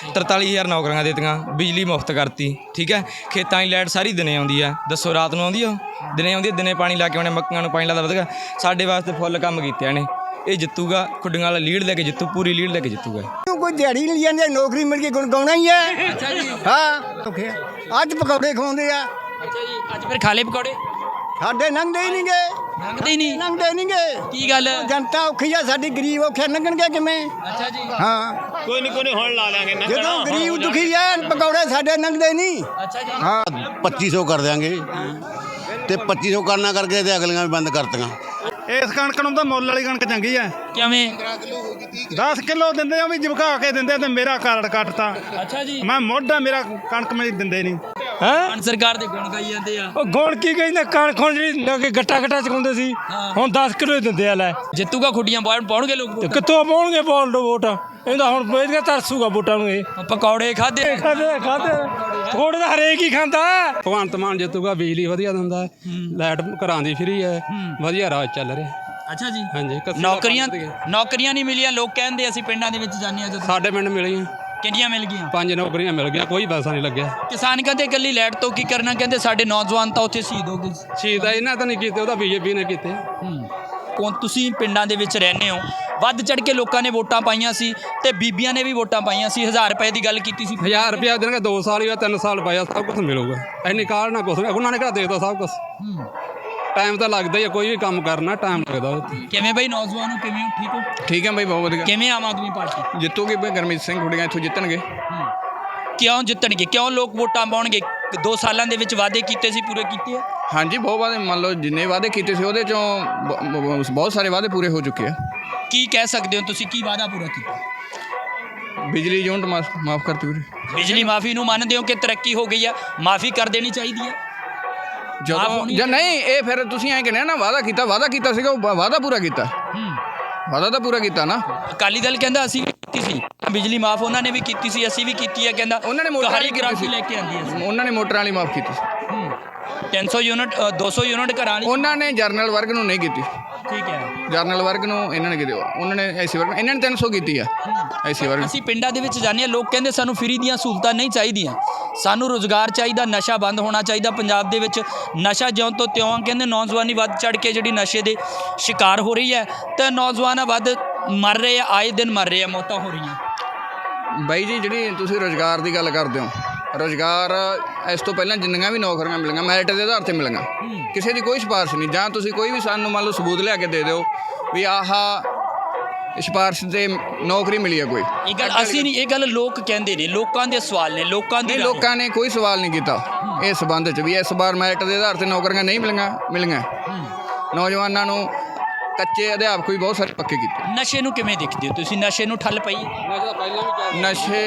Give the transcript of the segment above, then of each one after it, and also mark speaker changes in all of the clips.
Speaker 1: 43,000 ਨੌਕਰੀਆਂ ਦਿੱਤੀਆਂ, ਬਿਜਲੀ ਮੁਫਤ ਕਰਤੀ, ठीक है। खेतों की लाइट सारी दिने आउंदी है, दसो रात नूं आउंदी है? दिने आउंदी, दिने पानी ला के आने, मक्कां नूं पानी लादा वधिया। साडे वास्ते फुੱਲ काम कीते ने, ये जितूगा, खुड्डियां वाला लीड लैके जितू, पूरी लीड लैके जितूगा।
Speaker 2: कोई दिहाड़ी नहीं जाती, नौकरी मिल गई, गुण गाउणा ही है। हाँ अज पकौड़े खवाउंदे आ।
Speaker 3: अच्छा जी, अज फिर खा ले पकौड़े?
Speaker 2: ਸਾਡੇ ਲੰਘਦੇ ਹੀ ਨਹੀਂ ਗਏ,
Speaker 3: ਲੰਘਦੇ ਹੀ ਨਹੀਂ।
Speaker 2: ਲੰਘਦੇ ਨਹੀਂ ਗਏ।
Speaker 3: ਕੀ ਗੱਲ?
Speaker 2: ਜਨਤਾ ਔਖੀ ਆ ਸਾਡੀ, ਗਰੀਬ ਔਖੇ ਲੰਘਣਗੇ ਕਿਵੇਂ?
Speaker 3: ਅੱਛਾ ਜੀ।
Speaker 2: ਹਾਂ
Speaker 4: ਕੋਈ ਨਹੀਂ ਹੁਣ ਲਾ ਲਾਂਗੇ ਨਾ।
Speaker 2: ਜਦੋਂ ਗਰੀਬ ਦੁਖੀ ਆ, ਪਕੌੜੇ ਸਾਡੇ ਲੰਘਦੇ ਨਹੀਂ।
Speaker 3: ਅੱਛਾ ਜੀ।
Speaker 2: ਹਾਂ
Speaker 5: 2500 ਕਰ ਦਿਆਂਗੇ ਤੇ 2500 ਕਰਨਾ ਕਰਕੇ ਤੇ ਅਗਲੀਆਂ ਵੀ ਬੰਦ ਕਰਤੀਆਂ।
Speaker 4: ਇਸ ਕਣਕ ਨੂੰ ਤਾਂ ਮੁੱਲ ਵਾਲੀ ਕਣਕ ਚੰਗੀ ਆ।
Speaker 3: ਕਿਵੇਂ?
Speaker 4: 10 ਕਿਲੋ ਦਿੰਦੇ ਆ, ਵੀ ਜਮਕਾ ਕੇ ਦਿੰਦੇ ਤੇ ਮੇਰਾ ਕਾਰਡ ਕੱਟਤਾ।
Speaker 3: ਅੱਛਾ ਜੀ।
Speaker 4: ਮੈਂ ਮੋਢਾ, ਮੇਰਾ ਕਣਕ ਮੈਨੂੰ ਦਿੰਦੇ ਨਹੀਂ।
Speaker 3: ਹੁਣ ਸਰਕਾਰ ਦੇ ਗੁਣ ਗਾਈ ਜਾਂਦੇ ਆ।
Speaker 6: ਉਹ ਗੁਣ ਕੀ ਕਹਿੰਦੇ, ਕਣਕ ਹੁਣ ਜਿਹੜੀ ਲੱਗੇ ਗੱਟਾ ਚਕਾਉਂਦੇ ਸੀ, ਹੁਣ 10 ਕਿਲੋ ਹੀ ਦਿੰਦੇ ਆ। ਲੈ
Speaker 3: ਜਿੱਤੂਗਾ ਖੁੱਡੀਆਂ ਪਾਉਣਗੇ ਲੋਕ
Speaker 6: ਤੇ ਕਿੱਥੋਂ ਪਾਉਣਗੇ ਵੋਟ? ਇਹਦਾ ਹੁਣ ਵੇਚ ਕੇ ਤਰਸੂਗਾ ਵੋਟਾਂ ਨੂੰ। ਇਹ
Speaker 3: ਪਕੌੜੇ ਖਾਦੇ
Speaker 6: ਖਾਦੇ ਥੋੜੇ ਦਾ ਹਰੇਕ ਹੀ ਖਾਂਦਾ।
Speaker 7: ਭਗਵੰਤ ਮਾਨ ਜਿੱਤੂਗਾ, ਬਿਜਲੀ ਵਧੀਆ ਦਿੰਦਾ, ਲਾਈਟ ਘਰਾਂ ਦੀ ਫਰੀ ਹੈ, ਵਧੀਆ ਰਾਜ ਚੱਲ ਰਿਹਾ।
Speaker 3: ਅੱਛਾ ਜੀ।
Speaker 7: ਹਾਂਜੀ।
Speaker 3: ਨੌਕਰੀਆਂ ਨਹੀਂ ਮਿਲੀਆਂ, ਲੋਕ ਕਹਿੰਦੇ ਅਸੀਂ ਪਿੰਡਾਂ ਦੇ ਵਿੱਚ ਜਾਂਦੇ ਆ ਜਦੋਂ।
Speaker 7: ਸਾਡੇ ਪਿੰਡ ਮਿਲੀਆਂ,
Speaker 3: ਕਿੰਨੀਆਂ ਮਿਲ ਗਈਆਂ?
Speaker 7: 5 ਨੌਕਰੀਆਂ ਮਿਲ ਗਈਆਂ, ਕੋਈ ਪੈਸਾ ਨਹੀਂ ਲੱਗਿਆ।
Speaker 3: ਕਿਸਾਨ ਕਹਿੰਦੇ ਇਕੱਲੀ ਲਾਈਟ ਤੋਂ ਕੀ ਕਰਨਾ, ਕਹਿੰਦੇ ਸਾਡੇ ਨੌਜਵਾਨ ਤਾਂ ਉੱਥੇ ਸ਼ਹੀਦ ਹੋ ਗਏ।
Speaker 7: ਸ਼ਹੀਦ ਇਹਨਾਂ ਤਾਂ ਨਹੀਂ ਕੀਤੇ, ਉਹਦਾ ਬੀਜੇਪੀ ਨੇ ਕੀਤੇ।
Speaker 3: ਤੁਸੀਂ ਪਿੰਡਾਂ ਦੇ ਵਿੱਚ ਰਹਿੰਦੇ ਹੋ, ਵੱਧ ਚੜ ਕੇ ਲੋਕਾਂ ਨੇ ਵੋਟਾਂ ਪਾਈਆਂ ਸੀ ਤੇ ਬੀਬੀਆਂ ਨੇ ਵੀ ਵੋਟਾਂ ਪਾਈਆਂ ਸੀ। 1000 ਰੁਪਏ ਦੀ ਗੱਲ ਕੀਤੀ ਸੀ।
Speaker 7: 1000 ਰੁਪਇਆ ਦੇਣਗੇ, 2 ਸਾਲ ਜਾਂ 3 ਸਾਲ ਪਾਇਆ, ਸਭ ਕੁਝ ਮਿਲੂਗਾ। ਇੰਨੀ ਕਾਲ ਨਾ ਕੁਛ, ਉਹਨਾਂ ਨੇ ਕਿਹੜਾ ਦੇ ਦਿੱਤਾ ਸਭ ਕੁਝ। ਟਾਈਮ ਤਾਂ ਲੱਗਦਾ ਹੀ ਆ, ਕੋਈ ਵੀ ਕੰਮ ਕਰਨਾ ਟਾਈਮ ਲੱਗਦਾ ਉੱਥੇ।
Speaker 3: ਕਿਵੇਂ ਬਈ ਨੌਜਵਾਨ ਹੋ, ਕਿਵੇਂ ਹੋ? ਠੀਕ ਹੋ?
Speaker 8: ਠੀਕ ਹੈ ਬਾਈ, ਬਹੁਤ ਵਧੀਆ।
Speaker 3: ਕਿਵੇਂ ਆਮ ਆਦਮੀ ਪਾਰਟੀ
Speaker 8: ਜਿੱਤੂਗੀ ਬਈ, ਗੁਰਮੀਤ ਸਿੰਘ ਖੁੱਡੀਆਂ ਇੱਥੋਂ ਜਿੱਤਣਗੇ।
Speaker 3: ਕਿਉਂ ਜਿੱਤਣਗੇ? ਕਿਉਂ ਲੋਕ ਵੋਟਾਂ ਪਾਉਣਗੇ? 2 ਸਾਲਾਂ ਦੇ ਵਿੱਚ ਵਾਅਦੇ ਕੀਤੇ ਸੀ, ਪੂਰੇ ਕੀਤੇ ਆ?
Speaker 8: ਹਾਂਜੀ, ਬਹੁਤ ਵਾਅਦੇ, ਮੰਨ ਲਓ ਜਿੰਨੇ ਵਾਅਦੇ ਕੀਤੇ ਸੀ ਉਹਦੇ ਚੋਂ ਬਹੁਤ ਸਾਰੇ ਵਾਅਦੇ ਪੂਰੇ ਹੋ ਚੁੱਕੇ ਆ।
Speaker 3: ਕੀ ਕਹਿ ਸਕਦੇ ਹੋ ਤੁਸੀਂ, ਕੀ ਵਾਅਦਾ ਪੂਰਾ ਕੀਤਾ?
Speaker 8: ਬਿਜਲੀ ਯੂਨਿਟ ਮਾਫ ਕਰਤੀ ਵੀਰੇ।
Speaker 3: ਬਿਜਲੀ ਮਾਫੀ ਨੂੰ ਮੰਨਦੇ ਹੋ ਕਿ ਤਰੱਕੀ ਹੋ ਗਈ ਆ, ਮਾਫੀ ਕਰ ਦੇਣੀ ਚਾਹੀਦੀ ਹੈ?
Speaker 8: ਜਦੋਂ ਜਾਂ ਨਹੀਂ, ਇਹ ਫਿਰ ਤੁਸੀਂ ਐਂ ਕਹਿੰਦੇ ਨਾ, ਵਾਅਦਾ ਕੀਤਾ ਸੀਗਾ, ਉਹ ਵਾਅਦਾ ਪੂਰਾ ਕੀਤਾ। ਵਾਅਦਾ ਤਾਂ ਪੂਰਾ ਕੀਤਾ ਨਾ।
Speaker 3: ਅਕਾਲੀ ਦਲ ਕਹਿੰਦਾ ਅਸੀਂ ਵੀ ਕੀਤੀ ਸੀ ਬਿਜਲੀ ਮਾਫ, ਉਹਨਾਂ ਨੇ ਵੀ ਕੀਤੀ ਸੀ, ਅਸੀਂ ਵੀ ਕੀਤੀ ਹੈ। ਕਹਿੰਦਾ
Speaker 8: ਉਹਨਾਂ ਨੇ ਮੋਟਰਾਂ ਵਾਲੀ
Speaker 3: ਗ੍ਰਾਫੀ ਲੈ ਕੇ ਆਂਦੀ ਹੈ,
Speaker 8: ਉਹਨਾਂ ਨੇ ਮੋਟਰਾਂ ਵਾਲੀ ਮਾਫ ਕੀਤੀ ਸੀ।
Speaker 3: 300 ਯੂਨਿਟ 200 ਯੂਨਿਟ ਘਰਾਂ ਵਾਲੀ
Speaker 8: ਉਹਨਾਂ ਨੇ ਜਰਨਲ ਵਰਗ ਨੂੰ ਨਹੀਂ ਕੀਤੀ।
Speaker 3: ਠੀਕ ਹੈ।
Speaker 8: ਜਰਨਲ ਵਰਗ ਨੂੰ ਇਹਨਾਂ ਨੇ ਕੀਤੀ, ਉਹਨਾਂ ਨੇ ਐਸੀ ਵਰਗ, ਇਹਨਾਂ ਨੇ 300 ਕੀਤੀ ਆ ਐਸੀ ਵਰਗ।
Speaker 3: ਅਸੀਂ ਪਿੰਡਾਂ ਦੇ ਵਿੱਚ ਜਾਂਦੇ ਹਾਂ, ਲੋਕ ਕਹਿੰਦੇ ਸਾਨੂੰ ਫਰੀ ਦੀਆਂ ਸਹੂਲਤਾਂ ਨਹੀਂ ਚਾਹੀਦੀਆਂ, ਸਾਨੂੰ ਰੁਜ਼ਗਾਰ ਚਾਹੀਦਾ, ਨਸ਼ਾ ਬੰਦ ਹੋਣਾ ਚਾਹੀਦਾ। ਪੰਜਾਬ ਦੇ ਵਿੱਚ ਨਸ਼ਾ ਜਿਉਂ ਤੋਂ ਤਿਉਂ, ਕਹਿੰਦੇ ਨੌਜਵਾਨੀ ਵੱਧ ਚੜ ਕੇ ਜਿਹੜੀ ਨਸ਼ੇ ਦੇ ਸ਼ਿਕਾਰ ਹੋ ਰਹੀ ਹੈ ਤੇ ਨੌਜਵਾਨ ਵੱਧ ਮਰ ਰਹੇ ਆ, ਆਏ ਦਿਨ ਮਰ ਰਹੇ ਆ, ਮੌਤਾਂ ਹੋ ਰਹੀਆਂ।
Speaker 8: ਬਾਈ ਜੀ, ਜਿਹੜੀ ਤੁਸੀਂ ਰੁਜ਼ਗਾਰ ਦੀ ਗੱਲ ਕਰਦੇ ਹੋ, ਰੁਜ਼ਗਾਰ ਇਸ ਤੋਂ ਪਹਿਲਾਂ ਜਿੰਨੀਆਂ ਵੀ ਨੌਕਰੀਆਂ ਮਿਲੀਆਂ ਮੈਰਿਟ ਦੇ ਆਧਾਰ 'ਤੇ ਮਿਲੀਆਂ, ਕਿਸੇ ਦੀ ਕੋਈ ਸਿਫਾਰਿਸ਼ ਨਹੀਂ। ਜਾਂ ਤੁਸੀਂ ਕੋਈ ਵੀ ਸਾਨੂੰ ਮੰਨ ਲਓ ਸਬੂਤ ਲਿਆ ਕੇ ਦੇ ਦਿਓ ਵੀ ਆਹ ਸਿਫਾਰਿਸ਼ 'ਤੇ ਨੌਕਰੀ ਮਿਲੀ ਹੈ ਕੋਈ।
Speaker 3: ਇਹ ਗੱਲ ਅਸੀਂ ਨਹੀਂ, ਇਹ ਗੱਲ ਲੋਕ ਕਹਿੰਦੇ ਨੇ, ਲੋਕਾਂ ਦੇ ਸਵਾਲ ਨੇ, ਲੋਕਾਂ ਦੀ।
Speaker 8: ਲੋਕਾਂ ਨੇ ਕੋਈ ਸਵਾਲ ਨਹੀਂ ਕੀਤਾ ਇਸ ਸੰਬੰਧ 'ਚ ਵੀ ਇਸ ਵਾਰ ਮੈਰਿਟ ਦੇ ਆਧਾਰ 'ਤੇ ਨੌਕਰੀਆਂ ਨਹੀਂ ਮਿਲੀਆਂ। ਨੌਜਵਾਨਾਂ ਨੂੰ ਕੱਚੇ ਅਧਿਆਪਕ ਵੀ ਬਹੁਤ ਸਾਰੇ ਪੱਕੇ ਕੀਤੇ।
Speaker 3: ਨਸ਼ੇ ਨੂੰ ਕਿਵੇਂ ਦੇਖਦੇ ਹੋ ਤੁਸੀਂ? ਨਸ਼ੇ ਨੂੰ ਠੱਲ ਪਈ?
Speaker 8: ਨਸ਼ੇ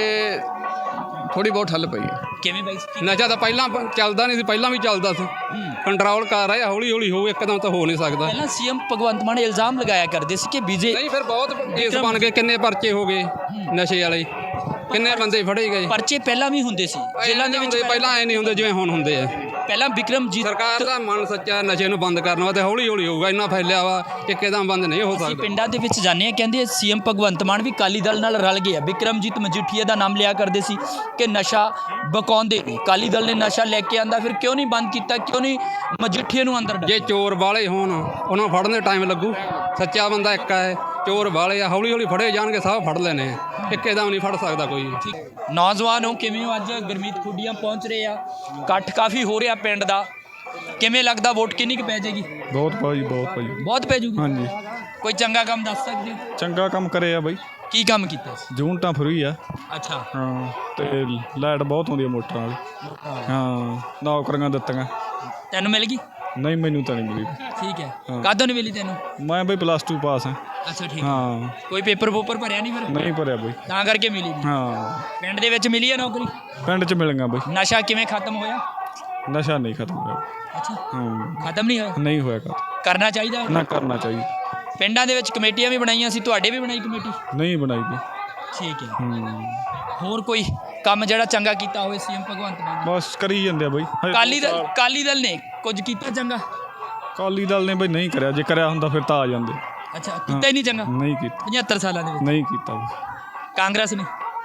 Speaker 8: ਥੋੜੀ ਬਹੁਤ ਠੱਲ ਪਈ ਹੈ।
Speaker 3: ਕਿਵੇਂ ਬਾਈ?
Speaker 7: ਨਸ਼ਾ ਤਾਂ ਪਹਿਲਾਂ ਚੱਲਦਾ ਨਹੀਂ ਸੀ, ਪਹਿਲਾਂ ਵੀ ਚੱਲਦਾ ਸੀ, ਕੰਟਰੋਲ ਕਰ ਰਿਹਾ, ਹੌਲੀ ਹੌਲੀ ਹੋਊ, ਇੱਕਦਮ ਤਾਂ ਹੋ ਨਹੀਂ ਸਕਦਾ।
Speaker 3: ਪਹਿਲਾਂ ਸੀਐਮ ਭਗਵੰਤ ਮਾਨ ਇਲਜ਼ਾਮ ਲਗਾਇਆ ਕਰਦੇ ਸੀ ਕਿ
Speaker 7: ਨਹੀਂ, ਫਿਰ ਬਹੁਤ ਕੇਸ ਬਣ ਗਏ, ਕਿੰਨੇ ਪਰਚੇ ਹੋ ਗਏ ਨਸ਼ੇ ਵਾਲੇ, ਕਿੰਨੇ ਬੰਦੇ ਫੜੇ ਗਏ।
Speaker 3: ਪਰਚੇ ਪਹਿਲਾਂ ਵੀ ਹੁੰਦੇ ਸੀ ਜੇਲ੍ਹਾਂ ਦੇ ਵਿੱਚ,
Speaker 7: ਪਹਿਲਾਂ ਐ ਨਹੀਂ ਹੁੰਦੇ ਜਿਵੇਂ ਹੁਣ ਹੁੰਦੇ ਆ।
Speaker 3: ਪਹਿਲਾਂ ਬਿਕਰਮਜੀਤ
Speaker 7: ਸਰਕਾਰ ਦਾ ਮਨ ਸੱਚਾ, ਨਸ਼ੇ ਨੂੰ ਬੰਦ ਕਰਨ ਵਾਸਤੇ ਹੌਲੀ ਹੌਲੀ ਹੋਊਗਾ, ਇੰਨਾ ਫੈਲਿਆ ਵਾ ਇੱਕਦਮ ਬੰਦ ਨਹੀਂ ਹੋ
Speaker 3: ਅਸੀਂ
Speaker 7: ਸਕਦਾ।
Speaker 3: ਪਿੰਡਾਂ ਦੇ ਵਿੱਚ ਜਾਂਦੇ ਹਾਂ, ਕਹਿੰਦੇ ਸੀਐਮ ਭਗਵੰਤ ਮਾਨ ਵੀ ਅਕਾਲੀ ਦਲ ਨਾਲ ਰਲ ਗਏ ਆ। ਬਿਕਰਮਜੀਤ ਮਜੀਠੀਆ ਦਾ ਨਾਮ ਲਿਆ ਕਰਦੇ ਸੀ ਕਿ ਨਸ਼ਾ ਬਕਾਉਂਦੇ ਨੇ, ਅਕਾਲੀ ਦਲ ਨੇ ਨਸ਼ਾ ਲੈ ਕੇ ਆਂਦਾ, ਫਿਰ ਕਿਉਂ ਨਹੀਂ ਬੰਦ ਕੀਤਾ, ਕਿਉਂ ਨਹੀਂ ਮਜੀਠੀਆ ਨੂੰ ਅੰਦਰ
Speaker 7: ਜੇ ਚੋਰ ਵਾਲੇ ਹੋਣ, ਉਹਨਾਂ ਫੜਨ ਦੇ ਟਾਈਮ ਲੱਗੂ। ਸੱਚਾ ਬੰਦਾ ਇੱਕ ਹੈ, ਚੋਰ ਵਾਲੇ ਆ, ਹੌਲੀ ਹੌਲੀ ਫੜੇ ਜਾਣਗੇ, ਸਭ ਫੜ ਲੈਣੇ ਆ, ਇੱਕਦਮ ਨਹੀਂ ਫੜ ਸਕਦਾ ਕੋਈ।
Speaker 3: ਨੌਜਵਾਨ ਹੋ, ਕਿਵੇਂ ਹੋ? ਅੱਜ ਗੁਰਮੀਤ ਖੁੱਡੀਆਂ ਪਹੁੰਚ ਰਹੇ ਆ, ਇਕੱਠ ਕਾਫੀ ਹੋ ਰਿਹਾ ਪਿੰਡ ਦਾ, ਕਿਵੇਂ ਲੱਗਦਾ ਵੋਟ ਕਿੰਨੀ ਕੁ ਪੈ ਜਾਏਗੀ?
Speaker 9: ਬਹੁਤ ਭਾਈ, ਬਹੁਤ ਭਾਈ,
Speaker 3: ਬਹੁਤ ਪੈ ਜੂਗੀ।
Speaker 9: ਹਾਂਜੀ।
Speaker 3: ਕੋਈ ਚੰਗਾ ਕੰਮ ਦੱਸ ਸਕਦੇ ਹੋ?
Speaker 9: ਚੰਗਾ ਕੰਮ ਕਰੇ ਆ ਬਾਈ।
Speaker 3: ਕੀ ਕੰਮ ਕੀਤਾ ਸੀ?
Speaker 9: ਯੂਨਿਟਾਂ ਫਰੀ ਆ।
Speaker 3: ਅੱਛਾ।
Speaker 9: ਹਾਂ, ਤੇ ਲਾਈਟ ਬਹੁਤ ਆਉਂਦੀ ਆ ਮੋਟਰਾਂ ਵਾਲੀ। ਹਾਂ, ਨੌਕਰੀਆਂ ਦਿੱਤੀਆਂ।
Speaker 3: ਤੈਨੂੰ ਮਿਲ ਗਈ?
Speaker 9: ਨਹੀਂ, ਮੈਨੂੰ ਤਾਂ ਨਹੀਂ ਮਿਲੀ।
Speaker 3: ਠੀਕ ਹੈ। ਕਦੋਂ ਨਹੀਂ ਮਿਲੀ ਤੈਨੂੰ?
Speaker 9: ਮੈਂ ਬਈ +2 ਪਾਸ ਹਾਂ।
Speaker 3: ਅੱਛਾ, ਠੀਕ ਹੈ।
Speaker 9: ਹਾਂ।
Speaker 3: ਕੋਈ ਪੇਪਰ ਭਰਿਆ ਨਹੀਂ ਫਿਰ?
Speaker 9: ਨਹੀਂ ਭਰਿਆ ਬਈ,
Speaker 3: ਤਾਂ ਕਰਕੇ ਮਿਲੀ ਨਹੀਂ।
Speaker 9: ਹਾਂ।
Speaker 3: ਪਿੰਡ ਦੇ ਵਿੱਚ ਮਿਲੀ ਹੈ ਨੌਕਰੀ?
Speaker 9: ਪਿੰਡ 'ਚ ਮਿਲੀਆਂ ਬਈ।
Speaker 3: ਨਸ਼ਾ ਕਿਵੇਂ ਖਤਮ ਹੋਇਆ?
Speaker 9: ਨਸ਼ਾ ਨਹੀਂ ਖਤਮ ਹੋਇਆ।
Speaker 3: ਅੱਛਾ,
Speaker 9: ਹਾਂ,
Speaker 3: ਖਤਮ ਨਹੀਂ ਹੋਇਆ?
Speaker 9: ਨਹੀਂ ਹੋਇਆ ਖਤਮ।
Speaker 3: ਕਰਨਾ ਚਾਹੀਦਾ
Speaker 9: ਨਾ ਕਰਨਾ ਚਾਹੀਦਾ।
Speaker 3: ਪਿੰਡਾਂ ਦੇ ਵਿੱਚ ਕਮੇਟੀਆਂ ਵੀ ਬਣਾਈਆਂ ਸੀ, ਤੁਹਾਡੇ ਵੀ ਬਣਾਈ ਕਮੇਟੀ?
Speaker 9: ਨਹੀਂ ਬਣਾਈ ਬਈ।
Speaker 3: ਠੀਕ ਹੈ। ਹੋਰ ਕੋਈ ਕੰਮ ਜਿਹੜਾ ਚੰਗਾ ਕੀਤਾ ਹੋਵੇ ਸੀਐਮ ਭਗਵੰਤ ਮਾਨ ਨੇ?
Speaker 9: ਬਸ ਕਰੀ ਜਾਂਦੇ ਆ ਬਈ।
Speaker 3: ਅਕਾਲੀ ਦਲ ਨੇ ਕੁਝ ਕੀਤਾ ਚੰਗਾ?
Speaker 9: ਅਕਾਲੀ ਦਲ ਨੇ ਬਈ ਨਹੀਂ ਕਰਿਆ, ਜੇ ਕਰਿਆ ਹੁੰਦਾ ਫਿਰ ਤਾਂ ਆ ਜਾਂਦੇ।
Speaker 3: ਅੱਛਾ, ਕੀਤਾ ਹੀ ਨਹੀਂ ਚੰਗਾ?
Speaker 9: ਨਹੀਂ ਕੀਤਾ।
Speaker 3: 75 ਸਾਲਾਂ ਦੇ ਵਿੱਚ
Speaker 9: ਨਹੀਂ ਕੀਤਾ ਬਈ।
Speaker 3: ਕਾਂਗਰਸ ਨੇ?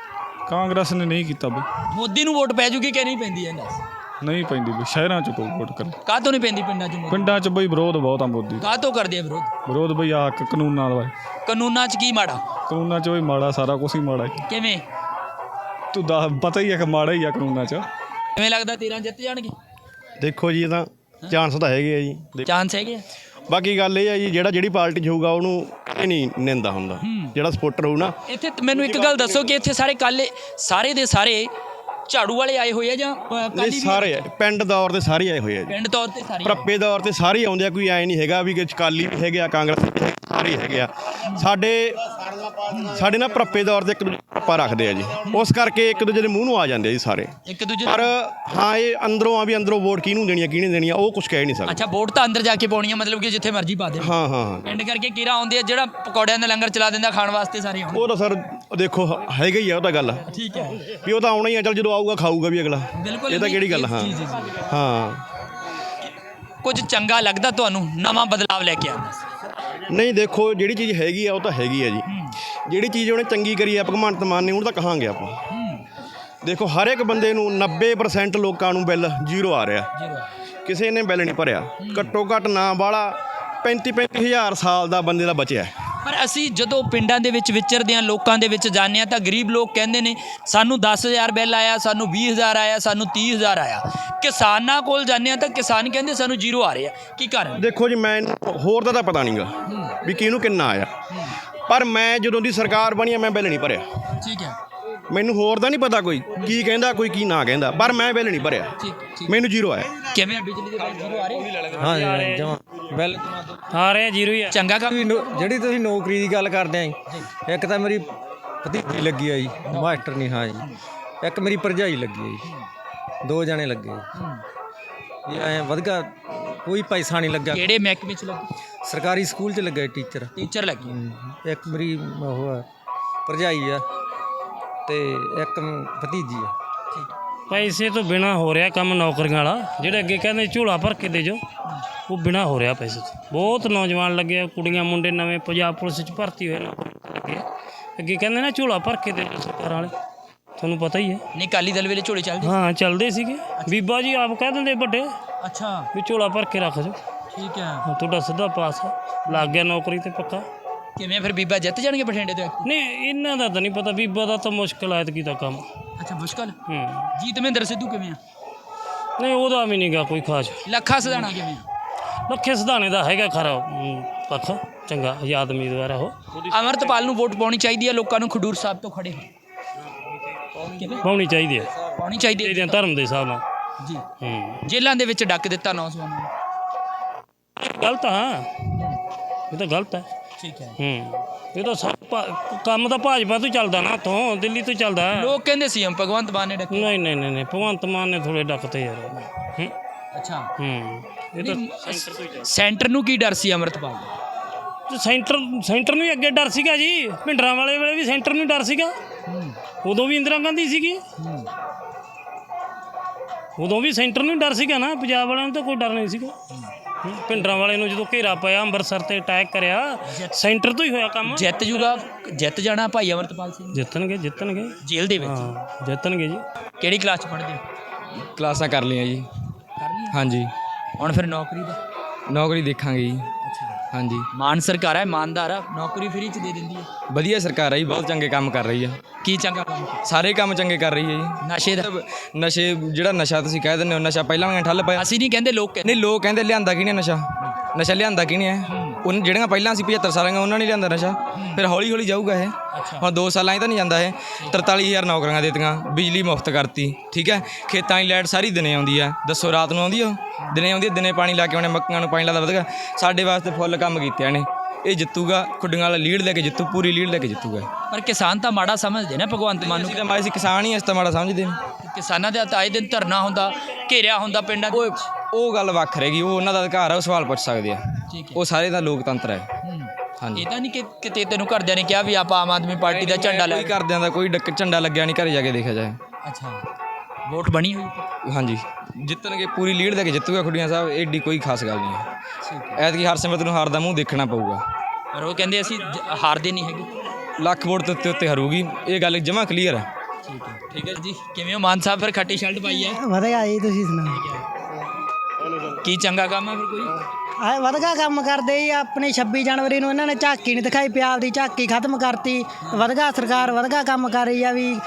Speaker 9: ਕਾਂਗਰਸ ਨੇ ਨਹੀਂ ਕੀਤਾ ਬਈ,
Speaker 3: ਮੋਦੀ ਨੂੰ ਵੋਟ ਪੈ ਜੂਗੀ ਕਿ ਨਹੀਂ ਪੈਂਦੀ ਇਹ ਦੱਸ।
Speaker 9: ਨਹੀਂ ਪੈਂਦੀ ਬਈ, ਸ਼ਹਿਰਾਂ 'ਚ ਕੋਈ ਵੋਟ ਕਰੇ।
Speaker 3: ਕਾਹ ਤੋਂ ਨਹੀਂ ਪੈਂਦੀ ਪਿੰਡਾਂ 'ਚ ਮੋਦੀ?
Speaker 9: ਪਿੰਡਾਂ 'ਚ ਬਈ ਵਿਰੋਧ ਬਹੁਤ ਆ ਮੋਦੀ ਦਾ।
Speaker 3: ਕਾਹ ਤੋਂ ਕਰਦੇ ਆ ਵਿਰੋਧ?
Speaker 9: ਵਿਰੋਧ ਬਈ ਆ ਕਾਨੂੰਨਾਂ ਦਾ।
Speaker 3: ਕਾਨੂੰਨਾਂ 'ਚ ਕੀ ਮਾੜਾ?
Speaker 9: ਕਾਨੂੰਨਾਂ 'ਚ ਬਈ ਮਾੜਾ, ਸਾਰਾ ਕੁਛ ਹੀ ਮਾੜਾ ਹੈ।
Speaker 3: ਕਿਵੇਂ
Speaker 9: ਤੂੰ ਪਤਾ ਹੀ ਹੈ ਕਿ ਮਾੜਾ ਹੀ ਆ ਕਾਨੂੰਨਾਂ 'ਚ।
Speaker 3: ਕਿਵੇਂ ਲੱਗਦਾ 13 ਜਿੱਤ ਜਾਣਗੇ?
Speaker 5: ਦੇਖੋ ਜੀ, ਇਹ ਤਾਂ ਚਾਂਸ ਤਾਂ ਹੈਗੇ ਆ ਜੀ।
Speaker 3: ਚਾਂਸ ਹੈਗੇ ਆ।
Speaker 5: ਬਾਕੀ ਗੱਲ ਇਹ ਆ ਜੀ, ਜਿਹੜੀ ਪਾਰਟੀ 'ਚ ਹੋਊਗਾ ਉਹਨੂੰ ਇਹ ਨਹੀਂ ਨਿੰਦਾ ਹੁੰਦਾ, ਜਿਹੜਾ ਸਪੋਰਟਰ ਹੋਊ ਨਾ।
Speaker 3: ਇੱਥੇ ਮੈਨੂੰ ਇੱਕ ਗੱਲ ਦੱਸੋ ਕਿ ਇੱਥੇ ਸਾਰੇ ਦੇ ਸਾਰੇ ਝਾੜੂ ਵਾਲੇ ਆਏ ਹੋਏ ਆ ਜਾਂ
Speaker 5: ਇਹ ਸਾਰੇ ਆ, ਪਿੰਡ ਦੌਰ ਤੇ ਸਾਰੇ ਆਏ ਹੋਏ ਆ ਜੀ।
Speaker 3: ਪਿੰਡ ਤੌਰ ਤੇ ਸਾਰੇ?
Speaker 5: ਪ੍ਰੱਪੇ ਦੌਰ ਤੇ ਸਾਰੇ ਆਉਂਦੇ ਆ, ਕੋਈ ਐ ਨਹੀਂ ਹੈਗਾ ਵੀ ਕਿ ਅਕਾਲੀ ਵੀ ਹੈਗੇ ਆ, ਕਾਂਗਰਸ ਵੀ ਹੈਗੇ, ਸਾਰੇ ਹੈਗੇ ਆ। ਸਾਡੇ ਨਾ ਪ੍ਰੱਪੇ ਦੌਰ ਤੇ ਇੱਕ ਦੂਜੇ ਪ੍ਰੱਪਾ ਰੱਖਦੇ ਆ ਜੀ, ਉਸ ਕਰਕੇ ਇੱਕ ਦੂਜੇ ਦੇ ਮੂੰਹ ਨੂੰ ਆ ਜਾਂਦੇ ਆ ਜੀ ਸਾਰੇ
Speaker 3: ਇੱਕ ਦੂਜੇ।
Speaker 5: ਪਰ ਹਾਂ, ਇਹ ਅੰਦਰੋਂ ਆ ਵੀ ਅੰਦਰੋਂ ਵੋਟ ਕਿਹਨੂੰ ਦੇਣੀ ਆ ਕਿਹਨੇ ਦੇਣੀ ਆ ਉਹ ਕੁਝ ਕਹਿ ਨਹੀਂ ਸਕਦੇ।
Speaker 3: ਅੱਛਾ, ਵੋਟ ਤਾਂ ਅੰਦਰ ਜਾ ਕੇ ਪਾਉਣੀ ਆ, ਮਤਲਬ ਕਿ ਜਿੱਥੇ ਮਰਜ਼ੀ ਪਾ ਦੇ।
Speaker 5: ਹਾਂ ਹਾਂ,
Speaker 3: ਪਿੰਡ ਕਰਕੇ ਕੀਰਾ ਆਉਂਦੇ ਆ ਜਿਹੜਾ ਪਕੌੜਿਆਂ ਦਾ ਲੰਗਰ ਚਲਾ ਦਿੰਦਾ ਖਾਣ ਵਾਸਤੇ ਸਾਰੇ ਆਉਂਦੇ।
Speaker 5: ਉਹ ਤਾਂ ਸਰ ਦੇਖੋ ਹੈਗਾ ਹੀ ਆ, ਉਹ ਤਾਂ ਗੱਲ
Speaker 3: ਠੀਕ ਹੈ
Speaker 5: ਵੀ ਉਹ ਤਾਂ ਆਉਣਾ ਹੀ ਆ, ਚੱਲ ਜਦੋਂ ਆਊਗਾ ਖਾਊਗਾ ਵੀ ਅਗਲਾ।
Speaker 3: ਬਿਲਕੁਲ।
Speaker 5: ਇਹ ਤਾਂ ਕਿਹੜੀ ਗੱਲ। ਹਾਂ ਹਾਂ,
Speaker 3: ਕੁਝ ਚੰਗਾ ਲੱਗਦਾ ਤੁਹਾਨੂੰ ਨਵਾਂ ਬਦਲਾਵ ਲੈ ਕੇ ਆਉਂਦਾ?
Speaker 5: ਨਹੀਂ ਦੇਖੋ, ਜਿਹੜੀ ਚੀਜ਼ ਹੈਗੀ ਆ ਉਹ ਤਾਂ ਹੈਗੀ ਆ ਜੀ। ਜਿਹੜੀ ਚੀਜ਼ ਉਹਨੇ ਚੰਗੀ ਕਰੀ ਆ ਭਗਵੰਤ ਮਾਨ ਨੇ, ਉਹਨੂੰ ਤਾਂ ਕਹਾਂਗੇ ਆਪਾਂ। ਦੇਖੋ ਹਰ ਇੱਕ ਬੰਦੇ ਨੂੰ 90% ਲੋਕਾਂ ਨੂੰ ਬਿੱਲ ਜ਼ੀਰੋ ਆ ਰਿਹਾ, ਕਿਸੇ ਨੇ ਬਿੱਲ ਨਹੀਂ ਭਰਿਆ। ਘੱਟੋ ਘੱਟ ਨਾ ਵਾਲਾ 35 ਹਜ਼ਾਰ ਸਾਲ ਦਾ ਬੰਦੇ ਦਾ ਬਚਿਆ।
Speaker 3: ਪਰ ਅਸੀਂ ਜਦੋਂ ਪਿੰਡਾਂ ਦੇ ਵਿੱਚ ਵਿਚਰਦੇ ਹਾਂ, ਲੋਕਾਂ ਦੇ ਵਿੱਚ ਜਾਂਦੇ ਹਾਂ, ਤਾਂ ਗਰੀਬ ਲੋਕ ਕਹਿੰਦੇ ਨੇ ਸਾਨੂੰ 10,000 ਬਿੱਲ ਆਇਆ, ਸਾਨੂੰ 20,000 ਆਇਆ, ਸਾਨੂੰ 30,000 ਆਇਆ। ਕਿਸਾਨਾਂ ਕੋਲ ਜਾਂਦੇ ਹਾਂ ਤਾਂ ਕਿਸਾਨ ਕਹਿੰਦੇ ਸਾਨੂੰ ਜ਼ੀਰੋ ਆ ਰਿਹਾ। ਕੀ ਕਾਰਨ?
Speaker 5: ਦੇਖੋ ਜੀ, ਮੈਂ ਹੋਰ ਦਾ ਤਾਂ ਪਤਾ ਨਹੀਂਗਾ ਵੀ ਕਿਹਨੂੰ ਕਿੰਨਾ ਆਇਆ, ਪਰ ਮੈਂ ਜਦੋਂ ਦੀ ਸਰਕਾਰ ਬਣੀ ਆ ਮੈਂ ਬਿੱਲ ਨਹੀਂ ਭਰਿਆ।
Speaker 3: ਠੀਕ ਹੈ।
Speaker 5: ਮੈਨੂੰ ਹੋਰ ਦਾ ਨਹੀਂ ਪਤਾ ਕੋਈ ਕੀ ਕਹਿੰਦਾ ਕੋਈ ਕੀ ਨਾ ਕਹਿੰਦਾ, ਪਰ ਮੈਂ ਬਿੱਲ ਨਹੀਂ ਭਰਿਆ, ਮੈਨੂੰ ਜ਼ੀਰੋ ਆਇਆ।
Speaker 3: ਕਿਵੇਂ ਆ ਬਿਜਲੀ ਦੇ ਬਿੱਲ ਜ਼ੀਰੋ ਆ ਰਹੇ?
Speaker 6: ਹਾਂ ਜਮਾ ਬਿੱਲ ਆ ਰਿਹਾ ਜ਼ੀਰੋ ਹੀ ਆ।
Speaker 3: ਚੰਗਾ ਕੰਮ।
Speaker 6: ਜਿਹੜੀ ਤੁਸੀਂ ਨੌਕਰੀ ਦੀ ਗੱਲ ਕਰਦੇ ਆ ਜੀ, ਇੱਕ ਤਾਂ ਮੇਰੀ ਭਤੀਜੀ ਲੱਗੀ ਆ ਜੀ ਮਾਸਟਰ ਨਹੀਂ। ਹਾਂ ਜੀ, ਇੱਕ ਮੇਰੀ ਭਰਜਾਈ ਲੱਗੀ ਆ ਜੀ, 2 ਜਣੇ ਲੱਗੇ ਜੀ। ਐਂ ਵਧੀਆ ਕੋਈ ਪੈਸਾ ਨਹੀਂ ਲੱਗਾ।
Speaker 3: ਕਿਹੜੇ ਮਹਿਕਮੇ 'ਚ ਲੱਗੇ?
Speaker 6: ਸਰਕਾਰੀ ਸਕੂਲ 'ਚ ਲੱਗਾ ਟੀਚਰ।
Speaker 3: ਟੀਚਰ ਲੱਗੇ।
Speaker 6: ਇੱਕ ਮੇਰੀ ਉਹ ਆ ਭਰਜਾਈ ਆ ਤੇ ਇੱਕ ਭਤੀਜੀ ਆ।
Speaker 10: ਪੈਸੇ ਤੋਂ ਬਿਨਾ ਹੋ ਰਿਹਾ ਕੰਮ ਨੌਕਰੀਆਂ ਵਾਲਾ। ਜਿਹੜੇ ਅੱਗੇ ਕਹਿੰਦੇ ਝੋਲਾ ਭਰ ਕੇ ਦੇ ਜੋ, ਉਹ ਬਿਨਾ ਹੋ ਰਿਹਾ ਪੈਸੇ ਤੋਂ। ਬਹੁਤ ਨੌਜਵਾਨ ਲੱਗੇ, ਕੁੜੀਆਂ ਮੁੰਡੇ ਨਵੇਂ ਪੰਜਾਬ ਪੁਲਿਸ 'ਚ ਭਰਤੀ ਹੋਏ ਲੱਗੇ। ਅੱਗੇ ਕਹਿੰਦੇ ਨਾ ਝੋਲਾ ਭਰ ਕੇ ਦੇ ਜੋ ਸਰਕਾਰ ਵਾਲੇ, ਤੁਹਾਨੂੰ ਪਤਾ ਹੀ ਹੈ।
Speaker 3: ਨਹੀਂ, ਅਕਾਲੀ ਦਲ ਵੇਲੇ ਝੋਲੇ ਚੱਲਦੇ?
Speaker 10: ਹਾਂ ਚੱਲਦੇ ਸੀਗੇ। ਬੀਬਾ ਜੀ ਆਪ ਕਹਿ ਦਿੰਦੇ ਵੱਡੇ
Speaker 3: ਅੱਛਾ
Speaker 10: ਵੀ ਝੋਲਾ ਭਰ ਕੇ ਰੱਖ ਜੋ,
Speaker 3: ਠੀਕ ਹੈ।
Speaker 10: ਤੁਹਾਡਾ ਸਿੱਧਾ ਪਾਸ ਆ, ਲੱਗ ਗਿਆ ਨੌਕਰੀ ਤੇ ਪੱਕਾ।
Speaker 3: ਕਿਵੇਂ ਫਿਰ ਬੀਬਾ ਜਿੱਤ ਜਾਣਗੇ ਬਠਿੰਡੇ ਤੋਂ?
Speaker 10: ਨਹੀਂ ਇਹਨਾਂ ਦਾ ਤਾਂ ਨਹੀਂ ਪਤਾ, ਬੀਬਾ ਦਾ ਤਾਂ ਮੁਸ਼ਕਿਲ ਆਇਤ ਕੀਤਾ ਕੰਮ।
Speaker 3: ਅੱਛਾ, ਮੁਸ਼ਕਲ। ਜੀਤ ਮਹਿੰਦਰ ਸਿੱਧੂ ਕਿਵੇਂ ਆ?
Speaker 10: ਨਹੀਂ ਉਹਦਾ ਵੀ ਨਹੀਂ ਗਾ ਕੋਈ ਖਾਸ।
Speaker 3: ਲੱਖਾ ਸਿਧਾਣਾ ਕਿਵੇਂ ਆ?
Speaker 10: ਲੱਖੇ ਸਿਧਾਣੇ ਦਾ ਹੈਗਾ ਖਰਾ ਪੱਖਾ, ਚੰਗਾ ਆਜ਼ਾਦ ਉਮੀਦਵਾਰ ਆ ਉਹ।
Speaker 3: ਅਮਰਤਪਾਲ ਨੂੰ ਵੋਟ ਪਾਉਣੀ ਚਾਹੀਦੀ ਹੈ ਲੋਕਾਂ ਨੂੰ ਖਡੂਰ ਸਾਹਿਬ ਤੋਂ ਖੜੇ ਹੋ?
Speaker 10: ਪਾਉਣੀ ਚਾਹੀਦੀ ਹੈ,
Speaker 3: ਪਾਉਣੀ ਚਾਹੀਦੀ ਹੈ
Speaker 10: ਇਹਦੇ ਧਰਮ ਦੇ ਹਿਸਾਬ ਨਾਲ
Speaker 3: ਜੀ।
Speaker 10: ਹੂੰ,
Speaker 3: ਜੇਲ੍ਹਾਂ ਦੇ ਵਿੱਚ ਡੱਕ ਦਿੱਤਾ ਨੌਜਵਾਨਾਂ ਨੂੰ।
Speaker 10: ਗਲਤ ਆ, ਇਹ ਤਾਂ ਗਲਤ ਹੈ।
Speaker 3: ਠੀਕ ਹੈ।
Speaker 10: ਹੂੰ, ਇਹ ਤਾਂ ਕੰਮ ਤਾਂ ਭਾਜਪਾ ਤੋਂ ਚੱਲਦਾ ਨਾ, ਇੱਥੋਂ ਦਿੱਲੀ ਤੋਂ ਚੱਲਦਾ।
Speaker 3: ਲੋਕ ਕਹਿੰਦੇ ਸੀ ਭਗਵੰਤ ਮਾਨ ਨੇ ਡੱਕੇ।
Speaker 10: ਨਹੀਂ ਨਹੀਂ ਨਹੀਂ, ਭਗਵੰਤ ਮਾਨ ਨੇ ਥੋੜੇ ਡੱਕਤੇ ਯਾਰ। ਹੂੰ
Speaker 3: ਅੱਛਾ।
Speaker 10: ਹੂੰ, ਇਹ ਤਾਂ
Speaker 3: ਸੈਂਟਰ ਨੂੰ ਕੀ ਡਰ ਸੀ ਅਮਰਤਪਾਲ ਦਾ?
Speaker 10: ਸੈਂਟਰ ਨੂੰ ਹੀ ਅੱਗੇ ਡਰ ਸੀਗਾ ਜੀ। ਭਿੰਡਰਾਂ ਵਾਲੇ ਵੇਲੇ ਵੀ ਸੈਂਟਰ ਨੂੰ ਡਰ ਸੀਗਾ, ਉਦੋਂ ਵੀ ਇੰਦਰਾ ਗਾਂਧੀ ਸੀਗੀ, ਉਦੋਂ ਵੀ ਸੈਂਟਰ ਨੂੰ ਡਰ ਸੀਗਾ ਨਾ। ਪੰਜਾਬ ਵਾਲਿਆਂ ਨੂੰ ਤਾਂ ਕੋਈ ਡਰ ਨਹੀਂ ਸੀਗਾ। ਭਿੰਡਰਾਂ ਵਾਲੇ ਨੂੰ ਜਦੋਂ ਘੇਰਾ ਪਾਇਆ, ਅੰਮ੍ਰਿਤਸਰ ਤੇ ਅਟੈਕ ਕਰਿਆ, ਸੈਂਟਰ ਤੋਂ ਹੀ ਹੋਇਆ ਕੰਮ।
Speaker 3: ਜਿੱਤ ਜਾਣਾ ਭਾਈ ਅਮਰਤਪਾਲ ਸਿੰਘ?
Speaker 10: ਜਿੱਤਣਗੇ
Speaker 3: ਜੇਲ੍ਹ ਦੇ ਵਿੱਚ?
Speaker 10: ਹਾਂ ਜਿੱਤਣਗੇ ਜੀ।
Speaker 3: ਕਿਹੜੀ ਕਲਾਸ 'ਚ ਪੜ੍ਹਦੇ ਹੋ?
Speaker 1: ਕਲਾਸਾਂ ਕਰ ਲਈਆਂ ਜੀ।
Speaker 3: ਕਰ ਲਈਆਂ?
Speaker 1: ਹਾਂਜੀ।
Speaker 3: ਹੁਣ ਫਿਰ ਨੌਕਰੀ ਦਾ?
Speaker 1: ਨੌਕਰੀ ਦੇਖਾਂਗੇ ਜੀ। ਹਾਂਜੀ।
Speaker 3: ਮਾਨ ਸਰਕਾਰ ਹੈ, ਇਮਾਨਦਾਰ ਆ, ਨੌਕਰੀ ਫ੍ਰੀ 'ਚ ਦੇ ਦਿੰਦੀ ਹੈ।
Speaker 1: ਵਧੀਆ ਸਰਕਾਰ ਹੈ ਜੀ, ਬਹੁਤ ਚੰਗੇ ਕੰਮ ਕਰ ਰਹੀ ਆ।
Speaker 3: ਕੀ ਚੰਗਾ ਕੰਮ?
Speaker 1: ਸਾਰੇ ਕੰਮ ਚੰਗੇ ਕਰ ਰਹੀ ਹੈ ਜੀ।
Speaker 3: ਨਸ਼ੇ ਦਾ?
Speaker 1: ਨਸ਼ੇ ਜਿਹੜਾ ਨਸ਼ਾ ਤੁਸੀਂ ਕਹਿ ਦਿੰਦੇ ਹੋ, ਨਸ਼ਾ ਪਹਿਲਾਂ ਵੀ ਠੱਲ ਪਿਆ।
Speaker 3: ਅਸੀਂ ਨਹੀਂ ਕਹਿੰਦੇ, ਲੋਕ ਕਹਿੰਦੇ।
Speaker 1: ਨਹੀਂ, ਲੋਕ ਕਹਿੰਦੇ ਲਿਆਂਦਾ ਕਿਹਨੇ ਨਸ਼ਾ? ਨਸ਼ਾ ਲਿਆਂਦਾ ਕਿਹਨੇ ਹੈ? ਉਹਨਾਂ ਜਿਹੜੀਆਂ ਪਹਿਲਾਂ ਸੀ 75 ਸਾਲਾਂ ਦੀਆਂ, ਉਹਨਾਂ ਨੇ ਲਿਆਂਦਾ ਨਸ਼ਾ। ਫਿਰ ਹੌਲੀ ਹੌਲੀ ਜਾਊਗਾ ਇਹ। ਹੁਣ 2 ਸਾਲਾਂ 'ਚ ਤਾਂ ਨਹੀਂ ਜਾਂਦਾ ਇਹ। 43,000 ਨੌਕਰੀਆਂ ਦਿੱਤੀਆਂ, ਬਿਜਲੀ ਮੁਫਤ ਕਰਤੀ, ਠੀਕ ਹੈ। ਖੇਤਾਂ 'ਚ ਲਾਈਟ ਸਾਰੀ ਦਿਨੇ ਆਉਂਦੀ ਆ। ਦੱਸੋ ਰਾਤ ਨੂੰ ਆਉਂਦੀ ਆ? ਦਿਨੇ ਆਉਂਦੀ ਆ। ਦਿਨੇ ਪਾਣੀ ਲਾ ਕੇ ਆਉਣੇ, ਮੱਕੀਆਂ ਨੂੰ ਪਾਣੀ ਲਾਦਾ ਵਧੀਆ। ਸਾਡੇ ਵਾਸਤੇ ਫੁੱਲ ਕੰਮ ਕੀਤੇ ਇਹਨੇ। ਇਹ ਜਿੱਤੂਗਾ, ਖੁੱਡੀਆਂ ਵਾਲਾ ਲੀਡ ਲੈ ਕੇ ਜਿੱਤੂ, ਪੂਰੀ ਲੀਡ ਲੈ ਕੇ ਜਿੱਤੂਗਾ।
Speaker 3: ਪਰ ਕਿਸਾਨ ਤਾਂ ਮਾੜਾ ਸਮਝਦੇ ਨੇ ਭਗਵੰਤ ਮਾਨ ਨੂੰ।
Speaker 1: ਅਸੀਂ ਕਿਸਾਨ ਹੀ ਇਸ ਤਾਂ ਮਾੜਾ ਸਮਝਦੇ ਨੇ।
Speaker 3: ਕਿਸਾਨਾਂ ਦੇ ਆਏ ਦਿਨ ਧਰਨਾ ਹੁੰਦਾ, ਘੇਰਿਆ ਹੁੰਦਾ ਪਿੰਡਾਂ ਦੇ।
Speaker 1: ਉਹ ਗੱਲ ਵੱਖ ਰਹੇਗੀ, ਉਹ ਉਹਨਾਂ ਦਾ ਅਧਿਕਾਰ ਆ, ਉਹ ਸਵਾਲ ਪੁੱਛ ਸਕਦੇ ਆ।
Speaker 3: ਠੀਕ ਹੈ।
Speaker 1: ਉਹ ਸਾਰੇ ਦਾ ਲੋਕਤੰਤਰ ਹੈ। ਹਾਂਜੀ।
Speaker 3: ਇਹ ਤਾਂ ਨਹੀਂ ਕਿ ਕਿਤੇ ਤੈਨੂੰ ਘਰਦਿਆਂ ਨੇ ਕਿਹਾ ਵੀ ਆਪਾਂ ਆਮ ਆਦਮੀ ਪਾਰਟੀ ਦਾ ਝੰਡਾ ਲੈ?
Speaker 1: ਕੋਈ ਘਰਦਿਆਂ ਦਾ ਕੋਈ ਝੰਡਾ ਲੱਗਿਆ ਨਹੀਂ, ਘਰੇ ਜਾ ਕੇ ਦੇਖਿਆ ਜਾਏ।
Speaker 3: ਅੱਛਾ, ਵੋਟ ਬਣੀ ਹੋਈ?
Speaker 1: ਹਾਂਜੀ, ਜਿੱਤਣਗੇ, ਪੂਰੀ ਲੀਡ ਲੈ ਕੇ ਜਿੱਤੂਗਾ ਖੁੱਡੀਆਂ ਸਾਹਿਬ। ਏਡੀ ਕੋਈ ਖਾਸ ਗੱਲ ਨਹੀਂ ਹੈ।
Speaker 3: ਠੀਕ ਹੈ।
Speaker 1: ਐਤਕੀ ਹਰਸਿਮਰਤ ਨੂੰ ਹਾਰ ਦਾ ਮੂੰਹ ਦੇਖਣਾ ਪਊਗਾ।
Speaker 3: ਪਰ ਉਹ ਕਹਿੰਦੇ ਅਸੀਂ ਹਾਰਦੇ ਨਹੀਂ ਹੈਗੇ।
Speaker 1: ਲੱਖ ਵੋਟ ਦੇ ਉੱਤੇ ਹਰੂਗੀ, ਇਹ ਗੱਲ ਜਮਾਂ ਕਲੀਅਰ ਹੈ।
Speaker 3: ਠੀਕ ਹੈ ਜੀ। ਕਿਵੇਂ ਹੋ ਮਾਨ ਸਾਹਿਬ? ਫਿਰ ਖੱਟੀ ਸ਼ਰਟ ਪਾਈ ਹੈ,
Speaker 11: ਵਧੀਆ ਜੀ, ਤੁਸੀਂ ਸੁਣਾਓ?
Speaker 3: ਕੀ ਚੰਗਾ ਕੰਮ ਹੈ ਫਿਰ ਕੋਈ?
Speaker 11: ਆ ਵਧੀਆ ਕੰਮ ਕਰਦੇ ਜੀ। ਆਪਣੀ 26 ਜਨਵਰੀ ਨੂੰ ਇਹਨਾਂ ਨੇ ਝਾਕੀ ਨਹੀਂ ਦਿਖਾਈ, ਪੰਜਾਬ ਦੀ ਝਾਕੀ ਖਤਮ ਕਰਤੀ। ਵਧੀਆ ਸਰਕਾਰ ਵਧੀਆ ਕੰਮ ਕਰ ਰਹੀ ਆ ਵੀ।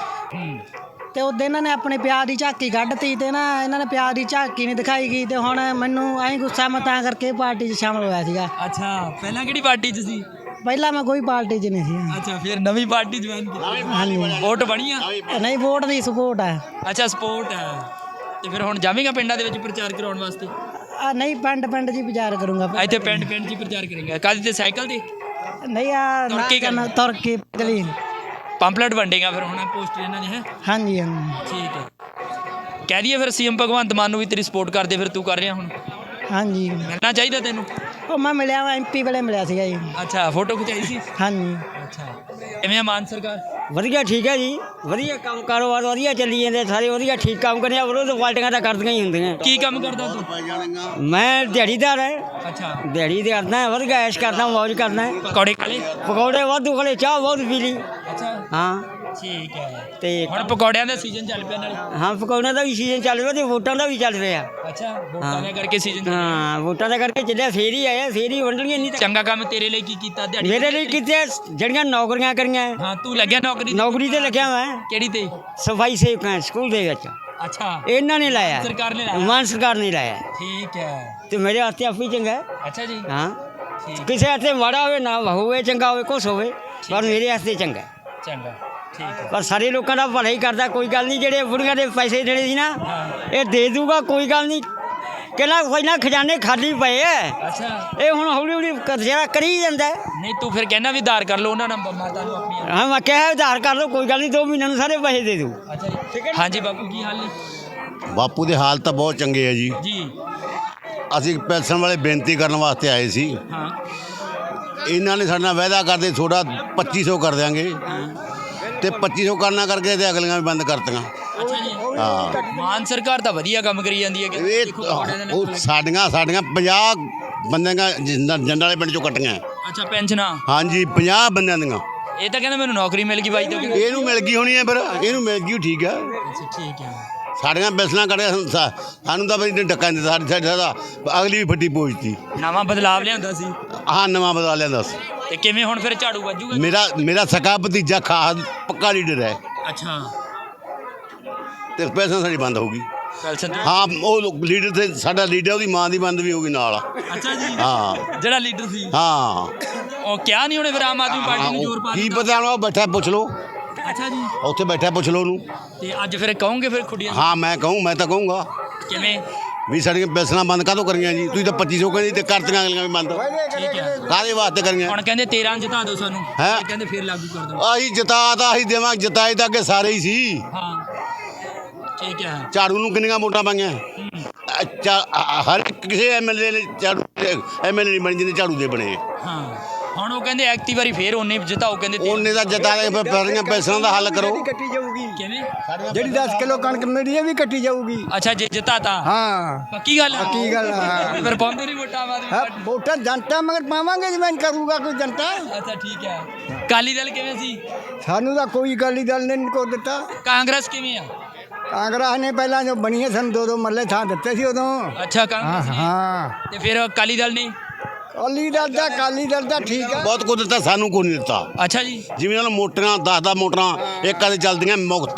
Speaker 11: ਤੇ ਉਦੋਂ ਇਹਨਾਂ ਨੇ ਆਪਣੇ ਪਿਆਰ ਦੀ ਝਾਕੀ ਕੱਢਤੀ ਤੇ ਇਹਨਾਂ ਨੇ ਪਿਆਰ ਦੀ ਝਾਕੀ ਨਹੀਂ ਦਿਖਾਈ ਗਈ। ਤੇ ਹੁਣ ਮੈਨੂੰ ਐਂ ਗੁੱਸਾ, ਮੈਂ ਤਾਂ ਕਰਕੇ ਪਾਰਟੀ 'ਚ ਸ਼ਾਮਲ ਹੋਇਆ ਸੀਗਾ।
Speaker 3: ਅੱਛਾ, ਪਹਿਲਾਂ ਕਿਹੜੀ ਪਾਰਟੀ 'ਚ ਸੀ?
Speaker 11: ਪਹਿਲਾਂ ਮੈਂ ਕੋਈ ਪਾਰਟੀ 'ਚ ਨਹੀਂ ਸੀ।
Speaker 3: ਅੱਛਾ, ਫਿਰ ਨਵੀਂ ਪਾਰਟੀ ਜੁਆਇਨ ਕੀਤੀ।
Speaker 11: ਹਾਂਜੀ,
Speaker 3: ਵੋਟ ਬਣੀ ਆ?
Speaker 11: ਨਹੀਂ, ਵੋਟ ਦੀ ਸਪੋਰਟ ਹੈ।
Speaker 3: ਅੱਛਾ, ਸਪੋਰਟ ਹੈ। ਤੇ ਫਿਰ ਹੁਣ ਜਾਵੇਂਗਾ ਪਿੰਡਾਂ ਦੇ ਵਿੱਚ ਪ੍ਰਚਾਰ ਕਰਾਉਣ ਵਾਸਤੇ?
Speaker 11: ਨਹੀਂ, ਪਿੰਡ 'ਚ ਹੀ ਪ੍ਰਚਾਰ ਕਰੂੰਗਾ।
Speaker 3: ਇੱਥੇ ਪਿੰਡ 'ਚ ਹੀ ਪ੍ਰਚਾਰ ਕਰੇਗਾ? ਕਾਹਦੇ ਤੇ, ਸਾਈਕਲ ਤੇ?
Speaker 11: ਨਹੀਂ, ਆ
Speaker 3: ਤੁਰ ਕੇ ਕਰਨਾ?
Speaker 11: ਤੁਰ ਕੇ ਗਲੀ।
Speaker 3: ਪੰਪਲੇਟ ਵੰਡੇਗਾ ਫਿਰ ਹੁਣ ਪੋਸਟਰ ਇਹਨਾਂ ਦੇ? ਹੈ,
Speaker 11: ਹਾਂਜੀ ਹਾਂਜੀ,
Speaker 3: ਠੀਕ ਹੈ। ਕਹਿ ਦਈਏ ਫਿਰ ਸੀਐਮ ਭਗਵੰਤ ਮਾਨ ਨੂੰ ਵੀ ਤੇਰੀ ਸਪੋਰਟ ਕਰਦੇ, ਫਿਰ ਤੂੰ ਕਰ ਰਿਹਾ ਹੁਣ?
Speaker 11: ਹਾਂਜੀ।
Speaker 3: ਮਿਲਣਾ ਚਾਹੀਦਾ ਤੈਨੂੰ?
Speaker 11: ਉਹ ਮੈਂ ਮਿਲਿਆ ਵਾ, MP ਵੇਲੇ ਮਿਲਿਆ ਸੀਗਾ ਜੀ।
Speaker 3: ਅੱਛਾ, ਫੋਟੋ ਖਿਚਾਈ ਸੀ?
Speaker 11: ਹਾਂਜੀ।
Speaker 3: ਅੱਛਾ, ਕਿਵੇਂ ਆ ਮਾਨ ਸਰਕਾਰ?
Speaker 11: ਵਧੀਆ, ਠੀਕ ਹੈ ਜੀ। ਵਧੀਆ ਕੰਮ ਕਾਰੋਬਾਰ ਵਧੀਆ ਚੱਲੀ ਜਾਂਦੇ, ਸਾਰੇ ਵਧੀਆ ਠੀਕ ਕੰਮ ਕਰਦੇ ਆ। ਵਿਰੋਧ ਪਾਰਟੀਆਂ ਤਾਂ ਕਰਦੀਆਂ ਹੀ ਹੁੰਦੀਆਂ।
Speaker 3: ਕੀ ਕੰਮ ਕਰਦਾ ਤੂੰ?
Speaker 11: ਮੈਂ ਦਿਹਾੜੀਦਾਰ ਹੈ।
Speaker 3: ਅੱਛਾ,
Speaker 11: ਦਿਹਾੜੀ ਦੇ ਕਰਦਾ, ਵਧੀਆ ਐਸ਼ ਕਰਦਾ, ਮੌਜ ਕਰਦਾ।
Speaker 3: ਪਕੌੜੇ ਖਾਲੇ?
Speaker 11: ਪਕੌੜੇ ਵਾਧੂ ਖਾਲੇ, ਚਾਹ ਬਹੁਤ ਪੀ ਲਈ।
Speaker 3: ਅੱਛਾ,
Speaker 11: ਹਾਂ,
Speaker 3: ਠੀਕ ਹੈ।
Speaker 11: ਤੇ
Speaker 3: ਹੁਣ ਪਕੌੜਿਆਂ ਦਾ ਸੀਜ਼ਨ ਚੱਲ ਪਿਆ ਨਾਲੇ?
Speaker 11: ਹਾਂ, ਪਕੌੜਿਆਂ ਦਾ ਵੀ ਸੀਜ਼ਨ ਚੱਲ ਰਿਹਾ ਤੇ ਵੋਟਾਂ ਦਾ ਵੀ ਚੱਲ ਰਿਹਾ।
Speaker 3: ਅੱਛਾ, ਵੋਟਾਂ ਦਾ ਕਰਕੇ ਸੀਜ਼ਨ?
Speaker 11: ਹਾਂ, ਵੋਟਾਂ ਦਾ ਕਰਕੇ ਚੱਲਿਆ, ਫੇਰ ਹੀ ਆਇਆ, ਫੇਰ ਹੀ ਵੰਡਣਗੇ। ਨਹੀਂ
Speaker 3: ਚੰਗਾ ਕੰਮ ਤੇਰੇ ਲਈ ਕੀ ਕੀਤਾ ਦਿਹਾੜੀ?
Speaker 11: ਮੇਰੇ ਲਈ ਕਿਤੇ ਜਿਹੜੀਆਂ ਨੌਕਰੀਆਂ ਕਰੀਆਂ।
Speaker 3: ਹਾਂ, ਤੂੰ ਲੱਗਿਆ
Speaker 11: ਨੌਕਰੀ ਤੇ ਲੱਗਿਆ ਮੈਂ।
Speaker 3: ਕਿਹੜੀ ਤੇ?
Speaker 11: ਸਫਾਈ ਸੇਵਕ ਹਾਂ ਸਕੂਲ ਦੇ ਵਿੱਚ।
Speaker 3: ਅੱਛਾ,
Speaker 11: ਇਹਨਾਂ ਨੇ ਲਾਇਆ,
Speaker 3: ਸਰਕਾਰ ਨੇ ਲਾਇਆ?
Speaker 11: ਮਾਨ ਸਰਕਾਰ ਨੇ ਲਾਇਆ।
Speaker 3: ਠੀਕ ਹੈ।
Speaker 11: ਤੇ ਮੇਰੇ ਵਾਸਤੇ ਆਪੀ ਚੰਗਾ ਹੈ।
Speaker 3: ਅੱਛਾ ਜੀ,
Speaker 11: ਹਾਂ,
Speaker 3: ਠੀਕ।
Speaker 11: ਕਿਸੇ ਵਾਸਤੇ ਮਾੜਾ ਹੋਵੇ ਨਾ ਹੋਵੇ, ਚੰਗਾ ਹੋਵੇ, ਕੁਛ ਹੋਵੇ, ਪਰ ਮੇਰੇ ਵਾਸਤੇ ਚੰਗਾ ਹੈ।
Speaker 3: ਚੰਗਾ, ਠੀਕ ਹੈ।
Speaker 11: ਪਰ ਸਾਰੇ ਲੋਕਾਂ ਦਾ ਭਲਾ ਹੀ ਕਰਦਾ, ਕੋਈ ਗੱਲ ਨਹੀਂ। ਜਿਹੜੇ ਬੁੜੀਆਂ ਦੇ ਪੈਸੇ ਦੇਣੇ ਸੀ ਨਾ, ਇਹ ਦੇ ਦੂਗਾ, ਕੋਈ ਗੱਲ ਨਹੀਂ। ਕਹਿੰਦਾ ਕੋਈ ਨਾ, ਖਜ਼ਾਨੇ ਖਾਲੀ ਪਏ ਐ।
Speaker 3: ਅੱਛਾ,
Speaker 11: ਇਹ ਹੁਣ ਹੌਲੀ ਹੌਲੀ ਜਿਹੜਾ ਕਰੀ ਜਾਂਦਾ ਹੈ।
Speaker 3: ਨਹੀਂ ਤੂੰ ਫਿਰ ਕਹਿਣਾ ਵੀ ਉਧਾਰ ਕਰ ਲਓ ਉਹਨਾਂ ਨਾਲ, ਮਾਤਾ ਨੂੰ ਆਪਣੀਆਂ।
Speaker 11: ਹਾਂ, ਮੈਂ ਕਿਹਾ ਉਧਾਰ ਕਰ ਲਓ, ਕੋਈ ਗੱਲ ਨਹੀਂ, 2 ਮਹੀਨਿਆਂ ਨੂੰ ਸਾਰੇ ਪੈਸੇ ਦੇ ਦੂ।
Speaker 3: ਅੱਛਾ ਜੀ, ਹਾਂਜੀ ਬਾਪੂ, ਕੀ ਹਾਲ ਨੇ?
Speaker 12: ਬਾਪੂ ਦੇ ਹਾਲ ਤਾਂ ਬਹੁਤ ਚੰਗੇ ਆ ਜੀ।
Speaker 3: ਜੀ,
Speaker 12: ਅਸੀਂ ਪੈਨਸ਼ਨ ਵਾਲੇ ਬੇਨਤੀ ਕਰਨ ਵਾਸਤੇ ਆਏ ਸੀ।
Speaker 3: ਹਾਂ।
Speaker 12: ਇਹਨਾਂ ਨੇ ਸਾਡੇ ਨਾਲ ਵਾਅਦਾ ਕਰਦੇ ਥੋੜਾ 2500 ਕਰ ਦਿਆਂਗੇ, ਤੇ 2500 ਕਰਨਾ ਕਰਕੇ ਤੇ ਅਗਲੀਆਂ ਵੀ ਬੰਦ ਕਰਤੀਆਂ।
Speaker 3: ਅੱਛਾ ਜੀ,
Speaker 12: ਹਾਂ,
Speaker 3: ਮਾਨ ਸਰਕਾਰ ਤਾਂ ਵਧੀਆ ਕੰਮ ਕਰੀ ਜਾਂਦੀ ਹੈ ਕਿ
Speaker 12: ਇਹ ਉਹ ਸਾਡੀਆਂ 50 ਬੰਦਿਆਂ ਜੰਡ ਵਾਲੇ ਪਿੰਡ ਚੋਂ ਕੱਟੀਆਂ।
Speaker 3: ਅੱਛਾ, ਪੈਨਸ਼ਨਾਂ?
Speaker 12: ਹਾਂਜੀ, 50 ਬੰਦਿਆਂ ਦੀਆਂ।
Speaker 3: ਇਹ ਤਾਂ ਕਹਿੰਦਾ ਮੈਨੂੰ ਨੌਕਰੀ ਮਿਲ ਗਈ ਬਾਈ ਤੋਂ।
Speaker 12: ਇਹਨੂੰ ਮਿਲ ਗਈ ਹੋਣੀ ਹੈ, ਫਿਰ ਇਹਨੂੰ ਮਿਲ ਗਈ, ਠੀਕ ਆ।
Speaker 3: ਅੱਛਾ, ਠੀਕ ਹੈ।
Speaker 12: ਸਾਡੀਆਂ ਪੈਨਸ਼ਨਾਂ ਕੱਢਿਆ, ਸਾਨੂੰ ਤਾਂ ਬਈ ਡੱਕਾ ਨਹੀਂ ਦਿੱਤਾ। ਸਾਡਾ ਅਗਲੀ ਵੀ ਫੱਟੀ ਪਹੁੰਚਦੀ।
Speaker 3: ਨਵਾਂ ਬਦਲਾਵ ਲਿਆਂਦਾ ਸੀ?
Speaker 12: ਹਾਂ, ਨਵਾਂ ਬਦਲਾ ਲਿਆ। ਦੱਸ
Speaker 3: ਤੇ ਕਿਵੇਂ ਹੁਣ ਫਿਰ ਝਾੜੂ ਵੱਜੂਗਾ?
Speaker 12: ਮੇਰਾ ਸਕਾ ਭਤੀਜਾ ਖਾਸ ਪੱਕਾ ਲੀਡਰ ਹੈ,
Speaker 3: ਅੱਛਾ,
Speaker 12: ਤੇ ਪੈਨਸ਼ਨ ਸਾਡੀ ਬੰਦ ਹੋਊਗੀ।
Speaker 3: ਪੈਨਸ਼ਨ?
Speaker 12: ਹਾਂ, ਉਹ ਲੀਡਰ ਤੇ ਸਾਡਾ ਲੀਡਰ, ਉਹਦੀ ਮਾਂ ਦੀ ਬੰਦ ਵੀ ਹੋਊਗੀ ਨਾਲ।
Speaker 3: ਅੱਛਾ ਜੀ,
Speaker 12: ਹਾਂ,
Speaker 3: ਜਿਹੜਾ ਲੀਡਰ ਸੀ?
Speaker 12: ਹਾਂ।
Speaker 3: ਉਹ ਕਿਹਾ ਨਹੀਂ ਉਹਨੇ ਫਿਰ ਆਮ ਆਦਮੀ ਪਾਰਟੀ ਨੂੰ ਜ਼ੋਰ ਪਾ
Speaker 12: ਕੀ
Speaker 3: ਦਿੱਤਾ?
Speaker 12: ਪਤਾ, ਉਹ ਬੈਠਾ ਪੁੱਛ ਲਓ।
Speaker 3: ਅੱਛਾ ਜੀ,
Speaker 12: ਉੱਥੇ ਬੈਠਾ ਪੁੱਛ ਲਓ ਉਹਨੂੰ।
Speaker 3: ਤੇ ਅੱਜ ਫਿਰ ਕਹੋਗੇ ਫਿਰ ਖੁੱਡੀਆਂ?
Speaker 12: ਹਾਂ, ਮੈਂ ਤਾਂ ਕਹੂੰਗਾ
Speaker 3: ਕਿਵੇਂ
Speaker 12: ਵੀ ਸਾਡੀਆਂ ਪੈਨਸ਼ਨਾਂ ਬੰਦ ਕਾਹਤੋਂ ਕਰੀਆਂ ਜੀ? ਤੁਸੀਂ ਤਾਂ 2500 ਕਹਿੰਦੇ ਤੇ ਕਰਤੀਆਂ ਅਗਲੀਆਂ ਵੀ ਬੰਦ।
Speaker 3: ਠੀਕ ਹੈ।
Speaker 12: ਕਾਹਦੇ ਵਾਸਤੇ ਕਰੀਆਂ?
Speaker 3: ਹੁਣ ਕਹਿੰਦੇ 13 ਜਿਤਾ ਦਿਓ ਸਾਨੂੰ,
Speaker 12: ਹੈਂ?
Speaker 3: ਫਿਰ ਕਹਿੰਦੇ ਫਿਰ ਲਾਗੂ ਕਰ ਦਿਓ।
Speaker 12: ਆਹੀ ਜਿਤਾਏ ਤਾਂ ਅੱਗੇ ਸਾਰੇ ਹੀ ਸੀ।
Speaker 3: ਹਾਂ, ਠੀਕ ਹੈ।
Speaker 12: ਝਾੜੂ ਨੂੰ ਕਿੰਨੀਆਂ ਵੋਟਾਂ ਪਾਈਆਂ? ਹਰ ਕਿਸੇ ਐਮਐਲਏ ਨੇ ਝਾੜੂ ਐਮਐਲਏ ਨਹੀਂ ਬਣੇ ਜਿਹਨੇ ਝਾੜੂ ਦੇ ਬਣੇ।
Speaker 3: ਹਾਂ, ਹੁਣ ਉਹ ਕਹਿੰਦੇ ਐਕਤੀ ਵਾਰੀ ਫੇਰ ਉਹਨੇ ਜਿਤਾਓ, ਕਹਿੰਦੇ
Speaker 12: ਉਹਨੇ ਦਾ ਜਿਤਾ ਦੇ ਫਿਰ ਪੈਨਸ਼ਨਾਂ ਦਾ ਹੱਲ ਕਰੋ।
Speaker 2: ਕੱਟੀ ਜਾਊਗੀ,
Speaker 3: ਕਿਵੇਂ?
Speaker 2: ਜਿਹੜੀ 10 ਕਿਲੋ ਕਣਕ ਮਿਲਦੀ ਹੈ ਵੀ ਕੱਟੀ ਜਾਊਗੀ।
Speaker 3: ਅੱਛਾ, ਜੇ ਜਿਤਾਤਾ?
Speaker 2: ਹਾਂ,
Speaker 3: ਪੱਕੀ ਗੱਲ ਹੈ?
Speaker 2: ਪੱਕੀ ਗੱਲ ਹੈ।
Speaker 3: ਫਿਰ ਪਾਉਂਦੇ ਨਹੀਂ ਵੋਟਾਂ ਆਮ ਆਦਮੀ
Speaker 2: ਹਾਂ,
Speaker 3: ਪਾਰਟੀ?
Speaker 2: ਵੋਟਾਂ ਜਨਤਾ ਮਗਰ ਪਾਵਾਂਗੇ, ਜਿਵੇਂ ਕਰੂਗਾ ਕੋਈ ਜਨਤਾ।
Speaker 3: ਅੱਛਾ, ਠੀਕ ਹੈ। ਅਕਾਲੀ ਦਲ ਕਿਵੇਂ ਸੀ?
Speaker 2: ਸਾਨੂੰ ਤਾਂ ਕੋਈ ਅਕਾਲੀ ਦਲ ਨੇ ਨਹੀਂ ਕੋ ਦਿੱਤਾ।
Speaker 3: ਕਾਂਗਰਸ ਕਿਵੇਂ ਆ?
Speaker 2: ਕਾਂਗਰਸ ਨੇ ਪਹਿਲਾਂ ਜੋ ਬਣੀ ਹੈ ਸਾਨੂੰ 2-2 ਮਰਲੇ ਥਾਂ ਦਿੱਤੇ ਸੀ ਉਦੋਂ।
Speaker 3: ਅੱਛਾ, ਕਾਂਗਰਸ ਨੇ?
Speaker 2: ਹਾਂ,
Speaker 3: ਤੇ ਫਿਰ ਅਕਾਲੀ ਦਲ ਨੇ?
Speaker 2: ਅਕਾਲੀ ਦਲ ਦਾ ਠੀਕ ਹੈ।
Speaker 12: ਬਹੁਤ ਕੁਝ ਦਿੱਤਾ, ਸਾਨੂੰ ਕੋਈ ਨਹੀਂ ਦਿੱਤਾ।
Speaker 3: ਅੱਛਾ ਜੀ,
Speaker 12: ਜਿਵੇਂ ਉਹਨਾਂ ਮੋਟਰਾਂ 10 ਮੋਟਰਾਂ ਇੱਕ ਦੇ ਚੱਲਦੀਆਂ ਮੁਫਤ,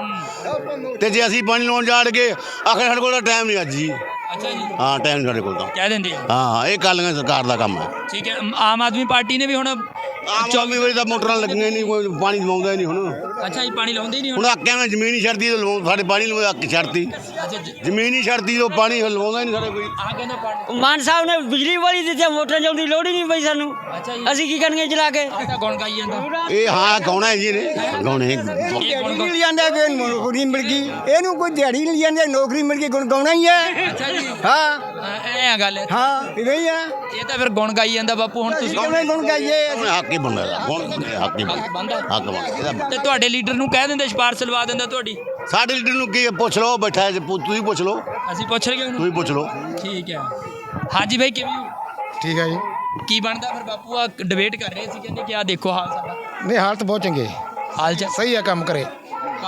Speaker 12: ਤੇ ਜੇ ਅਸੀਂ ਪਾਣੀ ਲਾਉਣ ਜਾੜ ਕੇ ਆਖਰ ਸਾਡੇ ਕੋਲ ਟਾਈਮ ਨਹੀਂ ਅੱਜ ਜੀ।
Speaker 3: ਅੱਛਾ ਜੀ,
Speaker 12: ਹਾਂ, ਟਾਈਮ ਸਾਡੇ ਕੋਲ ਤਾਂ।
Speaker 3: ਕਹਿ ਦਿੰਦੇ ਆ?
Speaker 12: ਹਾਂ, ਇਹ ਕਾਲੀਆਂ ਸਰਕਾਰ ਦਾ ਕੰਮ ਹੈ।
Speaker 3: ਠੀਕ ਹੈ। ਆਮ ਆਦਮੀ ਪਾਰਟੀ ਨੇ ਵੀ ਹੁਣ
Speaker 12: 24 ਵਜੇ ਤਾਂ ਮੋਟਰਾਂ ਲੱਗੀਆਂ ਨਹੀਂ, ਕੋਈ ਪਾਣੀ ਲਵਾਉਂਦਾ ਹੀ ਨਹੀਂ ਹੁਣ।
Speaker 3: ਅੱਛਾ ਜੀ, ਪਾਣੀ ਲਾਉਂਦੇ ਹੀ ਨਹੀਂ
Speaker 12: ਹੁਣ ਆਕਿਆਂ ਮੈਂ ਜ਼ਮੀਨ ਹੀ ਛੱਡਦੀ, ਸਾਡੇ ਪਾਣੀ ਲਵਾ ਅੱਕ ਛੱਡਤੀ।
Speaker 3: ਅੱਛਾ,
Speaker 12: ਜ਼ਮੀਨ ਹੀ ਛੱਡਦੀ, ਉਹ ਪਾਣੀ ਲਵਾਉਂਦਾ ਹੀ ਨਹੀਂ ਸਾਡੇ ਕੋਈ।
Speaker 3: ਆਹ ਕਹਿੰਦਾ ਪਾਣੀ।
Speaker 11: ਮਾਨ ਸਾਹਿਬ ਨੇ ਬਿਜਲੀ ਵਾਲੀ ਦਿੱਤੀ, ਮੋਟਰਾਂ ਚਲਾਉਣ ਦੀ ਲੋੜ ਹੀ ਨਹੀਂ ਪਈ ਸਾਨੂੰ।
Speaker 3: ਅੱਛਾ ਜੀ,
Speaker 11: ਅਸੀਂ ਕੀ ਕਰਨਗੇ ਚਲਾ ਕੇ?
Speaker 3: ਆਹ ਤਾਂ ਗੁਣ ਗਾਈ ਜਾਂਦਾ।
Speaker 12: ਇਹ ਹਾਂ ਗਾਉਣਾ ਹੈ ਜੀ ਨੇ, ਗਾਉਣੇ
Speaker 2: ਦਿਹਾੜੀ ਮਿਲ ਜਾਂਦਾ ਕਿ ਨੌਕਰੀ ਮਿਲ ਗਈ, ਇਹਨੂੰ ਕੋਈ ਦਿਹਾੜੀ ਮਿਲ ਜਾਂਦੀ, ਨੌਕਰੀ ਮਿਲ ਗਈ, ਗੁਣ ਗਾਉਣਾ ਹੀ ਹੈ।
Speaker 3: ਅੱਛਾ ਜੀ,
Speaker 2: ਹਾਂ,
Speaker 3: ਐ ਆ ਗੱਲ।
Speaker 2: ਹਾਂ, ਇਵੇਂ ਹੀ ਹੈ।
Speaker 3: ਇਹ ਤਾਂ ਫਿਰ ਗੁਣ ਗਾਈ ਜਾਂਦਾ ਬਾਪੂ। ਹੁਣ ਤੁਸੀਂ
Speaker 2: ਕਿਵੇਂ ਗੁਣ ਗਾਈਏ?
Speaker 12: ਹੱਕ ਹੀ ਬਣਦਾ, ਹੱਕ ਹੀ ਬਣਦਾ।
Speaker 3: ਤੇ ਤੁਹਾਡੇ ਲੀਡਰ ਨੂੰ ਕਹਿ ਦਿੰਦੇ, ਸਿਫਾਰਸ਼ ਲਵਾ ਦਿੰਦਾ ਤੁਹਾਡੀ।
Speaker 12: ਸਾਡੇ ਲੀਡਰ ਨੂੰ ਕੀ ਪੁੱਛ ਲਓ, ਬੈਠਾ ਹੈ, ਤੁਸੀਂ ਪੁੱਛ ਲਓ,
Speaker 3: ਅਸੀਂ ਪੁੱਛ ਲਈਏ ਉਹਨੂੰ?
Speaker 12: ਤੁਸੀਂ ਪੁੱਛ ਲਓ।
Speaker 3: ਠੀਕ ਹੈ। ਹਾਂਜੀ ਬਾਈ, ਕਿਵੇਂ ਹੋ?
Speaker 2: ਠੀਕ ਹੈ ਜੀ।
Speaker 3: ਕੀ ਬਣਦਾ ਫਿਰ ਬਾਪੂ? ਆ ਡਿਬੇਟ ਕਰ ਰਹੇ ਸੀ, ਕਹਿੰਦੇ ਕਿ ਆ ਦੇਖੋ ਹਾਲ ਸਾਡਾ।
Speaker 2: ਨਹੀਂ, ਹਾਲਤ ਬਹੁਤ ਚੰਗੇ,
Speaker 3: ਹਾਲ ਚ
Speaker 2: ਸਹੀ ਹੈ, ਕੰਮ ਕਰੇ।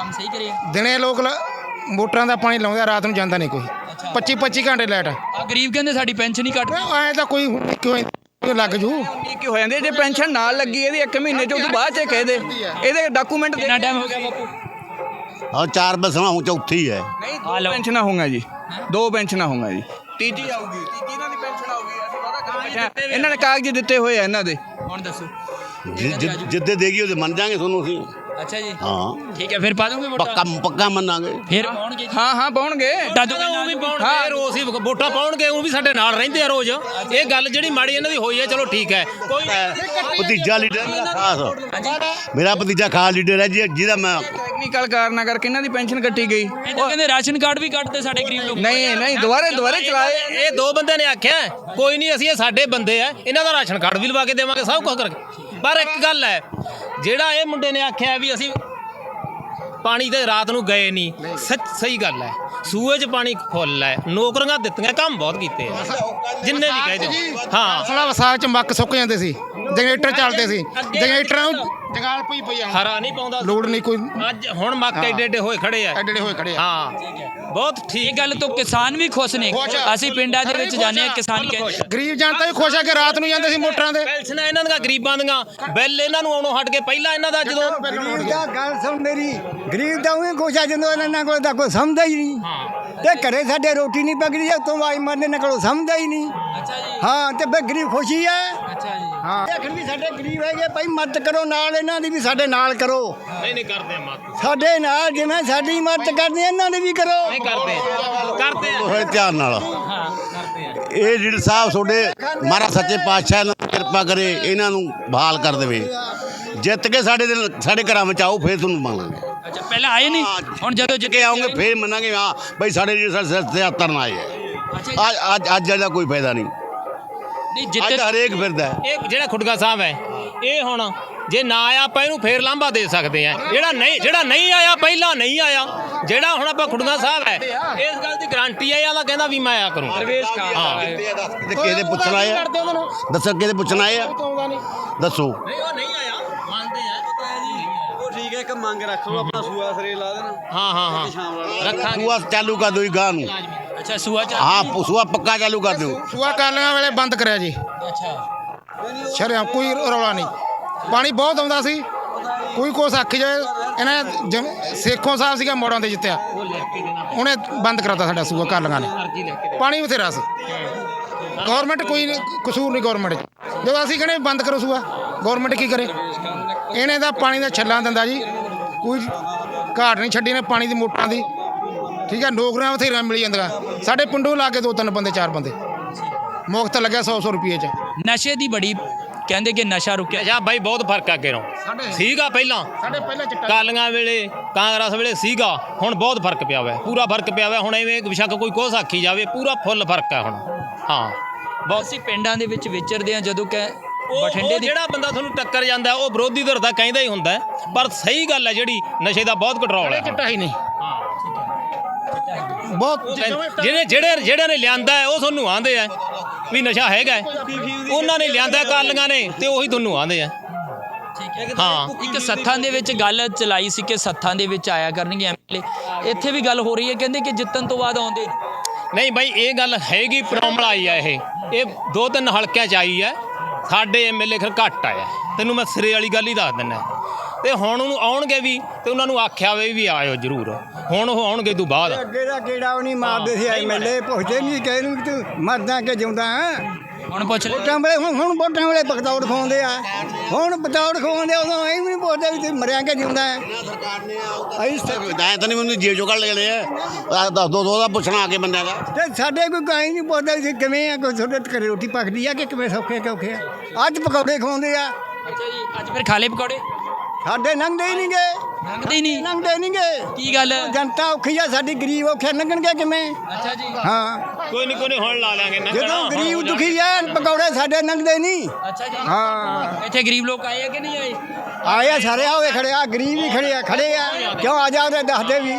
Speaker 3: ਕੰਮ ਸਹੀ ਕਰੇ
Speaker 4: ਦਿਨੇ ਲੋਕ ਮੋਟਰਾਂ ਦਾ ਪਾਣੀ ਲਾਉਂਦੇ ਆ, ਰਾਤ ਨੂੰ ਜਾਂਦਾ ਨਹੀਂ ਕੋਈ 25 ਘੰਟੇ ਲਾਈਟ
Speaker 3: ਆ ਗਰੀਬ ਕਹਿੰਦੇ ਸਾਡੀ ਪੈਨਸ਼ਨ ਹੀ ਕੱਟ
Speaker 4: ਐਂ ਤਾਂ ਕੋਈ ਕਿਉਂ ਲੱਗ ਜੂ
Speaker 8: ਕੀ ਹੋ ਜਾਂਦੇ ਜੇ ਪੈਨਸ਼ਨ ਨਾਲ ਲੱਗੀ ਇਹਦੀ 1 ਮਹੀਨੇ ਚ ਉਹ ਤੋਂ ਬਾਅਦ ਚ ਕਹਿ ਦੇ ਇਹਦੇ ਡਾਕੂਮੈਂਟ
Speaker 3: ਕਿੰਨਾ ਟਾਈਮ ਹੋ ਗਿਆ ਬਾਪੂ
Speaker 12: और 4 बसना हूँ चौथी है।
Speaker 8: ਨਹੀਂ 2 ਪੈਨਸ਼ਨਾਂ ਹੋਊਗਾ ਜੀ 2 ਪੈਨਸ਼ਨਾਂ ਹੋਊਗਾ ਜੀ ਤੀਜੀ ਆਊਗੀ ਤੀਜੀ ਇਹਨਾਂ ਦੀ ਪੈਨਸ਼ਨ ਆਊਗੀ ਅਸੀਂ ਵਾਦਾ ਕਰ ਬੈਠੇ ਹਾਂ। ਇਹਨਾਂ ਨੇ ਕਾਗਜ਼ ਦਿੱਤੇ ਹੋਏ ਆ ਇਹਨਾਂ ਦੇ
Speaker 3: ਹੁਣ ਦੱਸੋ
Speaker 12: जिद्दे देगी उसे मन जाएंगे सोनू सी।
Speaker 3: ਅੱਛਾ ਜੀ
Speaker 12: हाँ
Speaker 3: ਠੀਕ ਹੈ ਫਿਰ ਪਾ ਦੋਗੇ ਵੋਟਾਂ
Speaker 12: पक्का मनांगे।
Speaker 3: ਫਿਰ ਪਾਉਣਗੇ ਜੀ
Speaker 8: ਹਾਂ ਪਾਉਣਗੇ
Speaker 3: ਉਹ ਵੀ ਪਾਉਣਗੇ ਰੋਜ਼ ਹੀ ਵੋਟਾਂ ਪਾਉਣਗੇ ਉਹ ਵੀ ਸਾਡੇ ਨਾਲ ਰਹਿੰਦੇ ਆ ਰੋਜ਼ ਇਹ ਗੱਲ ਜਿਹੜੀ ਮਾੜੀ ਇਹਨਾਂ ਦੀ ਹੋਈ ਹੈ ਚਲੋ ਠੀਕ ਹੈ ਕੋਈ
Speaker 12: भतीजा लीडर मेरा खास मेरा भतीजा खास लीडर है जिहदा मैं
Speaker 8: ਟੈਕਨੀਕਲ ਕਾਰਨਾਂ ਕਰਕੇ ਇਹਨਾਂ ਦੀ ਪੈਨਸ਼ਨ ਕੱਟੀ ਗਈ
Speaker 3: ਇਹ ਤਾਂ ਕਹਿੰਦੇ ਰਾਸ਼ਨ ਕਾਰਡ ਵੀ ਕੱਟਦੇ ਸਾਡੇ ਗਰੀਬ ਲੋਕ
Speaker 8: ਨਹੀਂ ਦੁਬਾਰੇ ਚਲਾਏ
Speaker 6: ਇਹ ਦੋ ਬੰਦਿਆਂ ਨੇ ਆਖਿਆ ਕੋਈ ਨਹੀਂ ਅਸੀਂ ਇਹ ਸਾਡੇ ਬੰਦੇ ਆ ਇਹਨਾਂ ਦਾ ਰਾਸ਼ਨ ਕਾਰਡ ਵੀ ਲਵਾ ਕੇ ਦੇਵਾਂਗੇ ਸਭ ਕੁਝ ਕਰਕੇ ਪਰ ਇੱਕ ਗੱਲ ਹੈ ਜਿਹੜਾ ਇਹ ਮੁੰਡੇ ਨੇ ਆਖਿਆ ਵੀ ਅਸੀਂ ਪਾਣੀ ਤੇ ਰਾਤ ਨੂੰ ਗਏ ਨਹੀਂ ਸਹੀ ਗੱਲ ਹੈ ਸੂਏ 'ਚ ਪਾਣੀ ਫੁੱਲ ਹੈ ਨੌਕਰੀਆਂ ਦਿੱਤੀਆਂ ਕੰਮ ਬਹੁਤ ਕੀਤੇ ਆ ਜਿੰਨੇ ਵੀ ਕਹਿ ਦਿਓ ਹਾਂ
Speaker 4: ਅਸਲਾ ਵਿਸਾਖ ਚ ਮੱਕ ਸੁੱਕ ਜਾਂਦੇ ਸੀ ਜਨਰੇਟਰ ਚੱਲਦੇ ਸੀ ਜਨਰੇਟਰਾਂ ਨੂੰ ਜੰਗਾਲ ਪਈ
Speaker 6: ਹਰਾ ਨਹੀਂ ਪਾਉਂਦਾ
Speaker 4: ਲੋੜ ਨਹੀਂ ਕੋਈ
Speaker 6: ਅੱਜ ਹੁਣ ਮੱਕ ਐਡੇ ਹੋਏ ਖੜੇ ਆ ਹਾਂ ਬਹੁਤ ਠੀਕ
Speaker 3: ਇਹ ਗੱਲ ਤੋਂ ਕਿਸਾਨ ਵੀ ਖੁਸ਼ ਨੇ ਅਸੀਂ ਪਿੰਡਾਂ ਦੇ ਵਿੱਚ ਜਾਂਦੇ ਆ ਕਿਸਾਨ ਕਹਿੰਦੇ
Speaker 4: ਗਰੀਬ ਜਨਤਾ ਵੀ ਖੁਸ਼ ਹੈ ਕਿ ਰਾਤ ਨੂੰ ਜਾਂਦੇ ਸੀ ਮੋਟਰਾਂ ਦੇ
Speaker 6: ਪੈਨਸ਼ਨਾਂ ਇਹਨਾਂ ਦੀਆਂ ਗਰੀਬਾਂ ਦੀਆਂ ਬਿੱਲ ਇਹਨਾਂ ਨੂੰ ਆਉਣੋਂ ਹਟ ਕੇ ਪਹਿਲਾਂ ਇਹਨਾਂ ਦਾ ਜਦੋਂ
Speaker 2: ਗਰੀਬ ਦਾ ਗੱਲ ਸੁਣ ਮੇਰੀ ਗਰੀਬ ਦਾ ਉਹੀ ਖੁਸ਼ ਆ ਜਦੋਂ ਇਹਨਾਂ ਕੋਲ ਤਾਂ ਕੋਈ ਸਮਝਦਾ ਹੀ ਨਹੀਂ ਤੇ ਘਰੇ ਸਾਡੇ ਰੋਟੀ ਨਹੀਂ ਪਕੜੀ ਉਤੋਂ ਆਈ ਮਰਨੇ ਇਹਨਾਂ ਕੋਲ ਸਮਝਦਾ ਹੀ ਨਹੀਂ ਹਾਂ ਤੇ ਬਈ ਗਰੀਬ ਖੁਸ਼ੀ ਹੈ ਹਾਂ ਆਖਣ ਵੀ ਸਾਡੇ ਗਰੀਬ ਹੈਗੇ ਭਾਈ ਮਦਦ ਕਰੋ ਨਾਲ ਇਹਨਾਂ ਦੀ ਵੀ ਸਾਡੇ ਨਾਲ ਕਰੋ
Speaker 6: ਨਹੀਂ ਕਰਦੇ ਮਤ
Speaker 2: ਸਾਡੇ ਨਾਲ ਜਿਵੇਂ ਸਾਡੀ ਮਦਦ ਕਰਦੇ ਇਹਨਾਂ ਦੀ ਵੀ ਕਰੋ
Speaker 6: ਨਹੀਂ ਕਰਦੇ
Speaker 12: थोड़े ध्यान नाल ਇਹ ਲੀਡਰ ਸਾਹਿਬ ਤੁਹਾਡੇ ਮਹਾਰਾਜ ਸੱਚੇ ਪਾਤਸ਼ਾਹ ਇਹਨਾਂ ਦੀ ਕਿਰਪਾ ਕਰੇ ਇਹਨਾਂ ਨੂੰ ਬਹਾਲ ਕਰ ਦੇਵੇ ਜਿੱਤ ਕੇ ਸਾਡੇ ਘਰਾਂ ਵਿੱਚ ਆਓ ਫਿਰ ਤੁਹਾਨੂੰ ਮੰਨਾਂਗੇ
Speaker 3: ਅੱਛਾ ਪਹਿਲਾਂ ਆਏ ਨਹੀਂ ਹੁਣ ਜਦੋਂ
Speaker 12: ਜਿੱਤ ਕੇ ਆਉਂਗੇ ਫਿਰ ਮੰਨਾਂਗੇ ਹਾਂ ਬਈ ਸਾਡੇ ਲੀਡਰ ਸਿਰ ਤੇ ਹੱਥ ਨਾ ਆਏ ਅੱਜ ਦਾ ਕੋਈ ਫਾਇਦਾ ਨਹੀਂ
Speaker 3: ਨਹੀਂ
Speaker 12: ਅੱਜ
Speaker 3: ਜਿੱਤੇ
Speaker 12: ਹਰੇਕ ਫਿਰਦਾ
Speaker 6: ਇਹ ਜਿਹੜਾ ਖੁੱਡਗਾ ਸਾਹਿਬ ਹੈ ਇਹ ਹੁਣ ਜੇ ਨਾ ਆਇਆ ਆਪਾਂ ਇਹਨੂੰ ਫੇਰ ਲਾਂਭਾ ਦੇ ਸਕਦੇ ਆ ਜਿਹੜਾ ਨਹੀਂ ਆਇਆ ਪਹਿਲਾਂ ਨਹੀਂ ਆਇਆ ਜਿਹੜਾ ਹੁਣ ਆਪਾਂ ਖੁੱਡਗਾ ਸਾਹਿਬ ਹੈ ਇਸ ਗੱਲ ਦੀ ਗਾਰੰਟੀ ਹੈ ਇਹਦਾ ਕਹਿੰਦਾ ਵੀ ਮੈਂ ਆਇਆ ਕਰੂੰ ਹਾਂ
Speaker 12: ਕਿਹਦੇ ਪੁੱਛਣ ਆਏ ਆ ਦੱਸੋ ਕਿਹਦੇ ਪੁੱਛਣ ਆਏ ਆ ਦੱਸੋ
Speaker 6: ਨਹੀਂ ਉਹ ਨਹੀਂ ਆਇਆ ਮੰਨਦੇ ਆ
Speaker 5: ਉਹ ਠੀਕ ਹੈ ਇੱਕ ਮੰਗ ਰੱਖ ਲਓ ਆਪਣਾ ਸੂਆ ਸਰੇ ਲਾ ਦੇਣਾ
Speaker 6: ਹਾਂ ਰੱਖਾਂਗੇ
Speaker 12: ਸੂਆ ਚਾਲੂ ਕਰ ਦਿਓ ਗਾਂ ਨੂੰ
Speaker 3: ਅੱਛਾ ਸੂਆ ਚ
Speaker 12: ਹਾਂ ਸੂਆ ਪੱਕਾ ਚਾਲੂ ਕਰ ਦਿਓ
Speaker 4: ਸੂਆ ਕਾਲੀਆਂ ਵੇਲੇ ਬੰਦ ਕਰਿਆ ਜੀ
Speaker 3: ਅੱਛਾ
Speaker 4: ਸ਼ਰਿਆਂ ਕੋਈ ਰੌਲਾ ਨਹੀਂ ਪਾਣੀ ਬਹੁਤ ਆਉਂਦਾ ਸੀ ਕੋਈ ਕੁਛ ਆਖੀ ਜਾਏ ਇਹਨਾਂ ਸੇਖੋਂ ਸਾਹਿਬ ਸੀਗਾ ਮੋੜਾਂ ਤੇ ਜਿੱਤਿਆ ਉਹਨੇ ਬੰਦ ਕਰਾਤਾ ਸਾਡਾ ਸੂਆ ਕਾਲੀਆਂ ਨੇ ਪਾਣੀ ਬਥੇਰਾ ਸੀ ਗਵਰਨਮੈਂਟ ਕੋਈ ਕਸੂਰ ਨਹੀਂ ਗਵਰਨਮੈਂਟ 'ਚ ਜਦੋਂ ਅਸੀਂ ਕਹਿੰਦੇ ਬੰਦ ਕਰੋ ਸੂਆ ਗਵਰਨਮੈਂਟ ਕੀ ਕਰੇ ਇਹਨੇ ਤਾਂ ਪਾਣੀ ਦਾ ਛੱਲਾਂ ਦਿੰਦਾ ਜੀ ਕੋਈ ਘਾਟ ਨਹੀਂ ਛੱਡੀ ਨੇ ਪਾਣੀ ਦੀ ਮੋਟਰਾਂ ਦੀ ਠੀਕ ਹੈ ਨੌਕਰੀਆਂ ਬਥੇਰੀਆਂ ਮਿਲ ਜਾਂਦੀਆਂ ਸਾਡੇ ਪਿੰਡੋਂ ਲਾ ਕੇ 2-3 ਬੰਦੇ 4 ਬੰਦੇ ਮੁਫਤ ਲੱਗਿਆ 100 ਰੁਪਏ 'ਚ
Speaker 3: ਨਸ਼ੇ ਦੀ ਬੜੀ ਕਹਿੰਦੇ ਕਿ ਨਸ਼ਾ ਰੁਕਿਆ
Speaker 6: ਅੱਛਾ ਬਾਈ ਬਹੁਤ ਫਰਕ ਆ ਅੱਗੇ ਨਾਲੋਂ ਸੀਗਾ ਪਹਿਲਾਂ
Speaker 4: ਸਾਡੇ ਪਹਿਲਾਂ ਚਿੱਟਾ
Speaker 6: ਕਾਲੀਆਂ ਵੇਲੇ ਕਾਂਗਰਸ ਵੇਲੇ ਸੀਗਾ ਹੁਣ ਬਹੁਤ ਫਰਕ ਪਿਆ ਹੋਇਆ ਪੂਰਾ ਫਰਕ ਪਿਆ ਹੋਇਆ ਹੁਣ ਐਵੇਂ ਬਿਸ਼ੱਕ ਕੋਈ ਕੁਛ ਆਖੀ ਜਾਵੇ ਪੂਰਾ ਫੁੱਲ ਫਰਕ ਹੈ ਹੁਣ ਹਾਂ ਬਹੁਤ
Speaker 3: ਅਸੀਂ ਪਿੰਡਾਂ ਦੇ ਵਿੱਚ ਵਿਚਰਦੇ ਆ ਜਦੋਂ ਕਿ
Speaker 6: ਬਠਿੰਡੇ ਜਿਹੜਾ ਬੰਦਾ ਤੁਹਾਨੂੰ ਟੱਕਰ ਜਾਂਦਾ ਉਹ ਵਿਰੋਧੀ ਧਿਰ ਦਾ ਕਹਿੰਦਾ ਹੀ ਹੁੰਦਾ ਪਰ ਸਹੀ ਗੱਲ ਹੈ ਜਿਹੜੀ ਨਸ਼ੇ ਦਾ ਬਹੁਤ ਕੰਟਰੋਲ ਹੈ
Speaker 4: ਚਿੱਟਾ ਹੀ ਨਹੀਂ ਬਹੁਤ
Speaker 6: ਜਿਹੜੇ ਨੇ ਲਿਆਂਦਾ ਹੈ ਉਹ ਤੁਹਾਨੂੰ ਆਂਦੇ ਆ ਵੀ ਨਸ਼ਾ ਹੈਗਾ ਉਹਨਾਂ ਨੇ ਲਿਆਂਦਾ ਕਾਲੀਆਂ ਨੇ ਤੇ ਉਹੀ ਤੁਹਾਨੂੰ ਆਂਦੇ ਆ
Speaker 3: ਹਾਂ ਇੱਕ ਸੱਥਾਂ ਦੇ ਵਿੱਚ ਗੱਲ ਚਲਾਈ ਸੀ ਕਿ ਸੱਥਾਂ ਦੇ ਵਿੱਚ ਆਇਆ ਕਰਨਗੇ ਐਮਐਲਏ ਇੱਥੇ ਵੀ ਗੱਲ ਹੋ ਰਹੀ ਹੈ ਕਹਿੰਦੇ ਕਿ ਜਿੱਤਣ ਤੋਂ ਬਾਅਦ ਆਉਂਦੇ
Speaker 6: ਨਹੀਂ ਬਾਈ ਇਹ ਗੱਲ ਹੈਗੀ ਪ੍ਰੋਬਲਮ ਆਈ ਆ ਇਹ 2-3 ਹਲਕਿਆਂ 'ਚ ਆਈ ਹੈ ਸਾਡੇ ਐਮਐਲਏ ਫਿਰ ਘੱਟ ਆਇਆ ਤੈਨੂੰ ਮੈਂ ਸਿਰੇ ਵਾਲੀ ਗੱਲ ਹੀ ਦੱਸ ਦਿੰਦਾ ਤੇ ਹੁਣ ਉਹਨੂੰ ਆਉਣਗੇ ਵੀ ਤੇ ਉਹਨਾਂ ਨੂੰ ਆਖਿਆ ਵੀ ਆਇਓ ਜ਼ਰੂਰ ਹੁਣ ਉਹ ਆਉਣਗੇ ਤੋਂ ਬਾਅਦ
Speaker 2: ਅੱਗੇ ਦਾ ਕਿਹੜਾ ਉਹ ਨਹੀਂ ਮਾਰਦੇ ਸੀ ਐਮਐਲਏ ਪੁੱਛਦੇ ਨਹੀਂ ਕਹੇ ਨੂੰ ਤੂੰ ਮਰਦਾ ਕਿ ਜਿਉਂਦਾ
Speaker 3: ਹੁਣ ਪੁੱਛ ਲੈ
Speaker 2: ਵੋਟਾਂ ਵੇਲੇ ਹੁਣ ਵੋਟਾਂ ਵੇਲੇ ਬਗਦੌੜ ਖਵਾਉਂਦੇ ਆ ਹੁਣ ਬਗਦੌੜ ਖਵਾਉਂਦੇ ਉਦੋਂ ਇਹ ਵੀ ਨਹੀਂ ਪੁੱਛਦੇ ਵੀ ਤੂੰ ਮਰਿਆ ਕਿ ਜਿਉਂਦਾ ਹੈ
Speaker 12: ਐਂ ਤਾਂ ਨਹੀਂ ਮੈਨੂੰ ਜੇਬ ਚੋਂ ਕੱਢ ਲਏ ਆ ਦੱਸ ਦੋ ਦਾ ਪੁੱਛਣਾ ਆ ਕੇ ਬੰਦਿਆਂ ਦਾ
Speaker 2: ਤੇ ਸਾਡੇ ਕੋਈ ਕਾਈ ਨਹੀਂ ਪੁੱਛਦਾ ਵੀ ਕਿਵੇਂ ਆ ਕੋਈ ਤੁਹਾਡੇ ਘਰੇ ਰੋਟੀ ਪੱਕਦੀ ਆ ਕਿ ਕਿਵੇਂ ਸੌਖੇ ਔਖੇ ਆ ਅੱਜ ਪਕੌੜੇ ਖਵਾਉਂਦੇ ਆ
Speaker 3: ਅੱਛਾ ਜੀ ਅੱਜ ਫਿਰ ਖਾ ਲਏ ਪਕੌੜੇ
Speaker 2: ਸਾਡੇ ਲੰਘਦੇ ਹੀ ਨਹੀਂਗੇ ਲੰਘਦੇ ਨਹੀਂਗੇ
Speaker 3: ਕੀ ਗੱਲ
Speaker 2: ਜਨਤਾ ਔਖੀ ਆ ਸਾਡੀ ਗਰੀਬ ਔਖੇ ਲੰਘਣਗੇ ਕਿਵੇਂ
Speaker 3: ਅੱਛਾ ਜੀ
Speaker 2: ਹਾਂ
Speaker 6: ਕੋਈ ਨਹੀਂ ਹੁਣ ਲਾ ਲਾਂਗੇ
Speaker 2: ਜਦੋਂ ਗਰੀਬ ਦੁਖੀ ਆ ਪਕੌੜੇ ਸਾਡੇ ਲੰਘਦੇ ਨਹੀਂ
Speaker 3: ਅੱਛਾ ਜੀ
Speaker 2: ਹਾਂ
Speaker 3: ਇੱਥੇ ਗਰੀਬ ਲੋਕ ਆਏ ਆ ਕਿ ਨਹੀਂ ਆਏ
Speaker 2: ਆਏ ਸਾਰੇ ਆਵੇ ਖੜੇ ਆ ਗਰੀਬ ਹੀ ਖੜੇ ਆ ਕਿਉਂ ਆ ਜਾ ਉਹਦੇ ਦੱਸਦੇ ਵੀ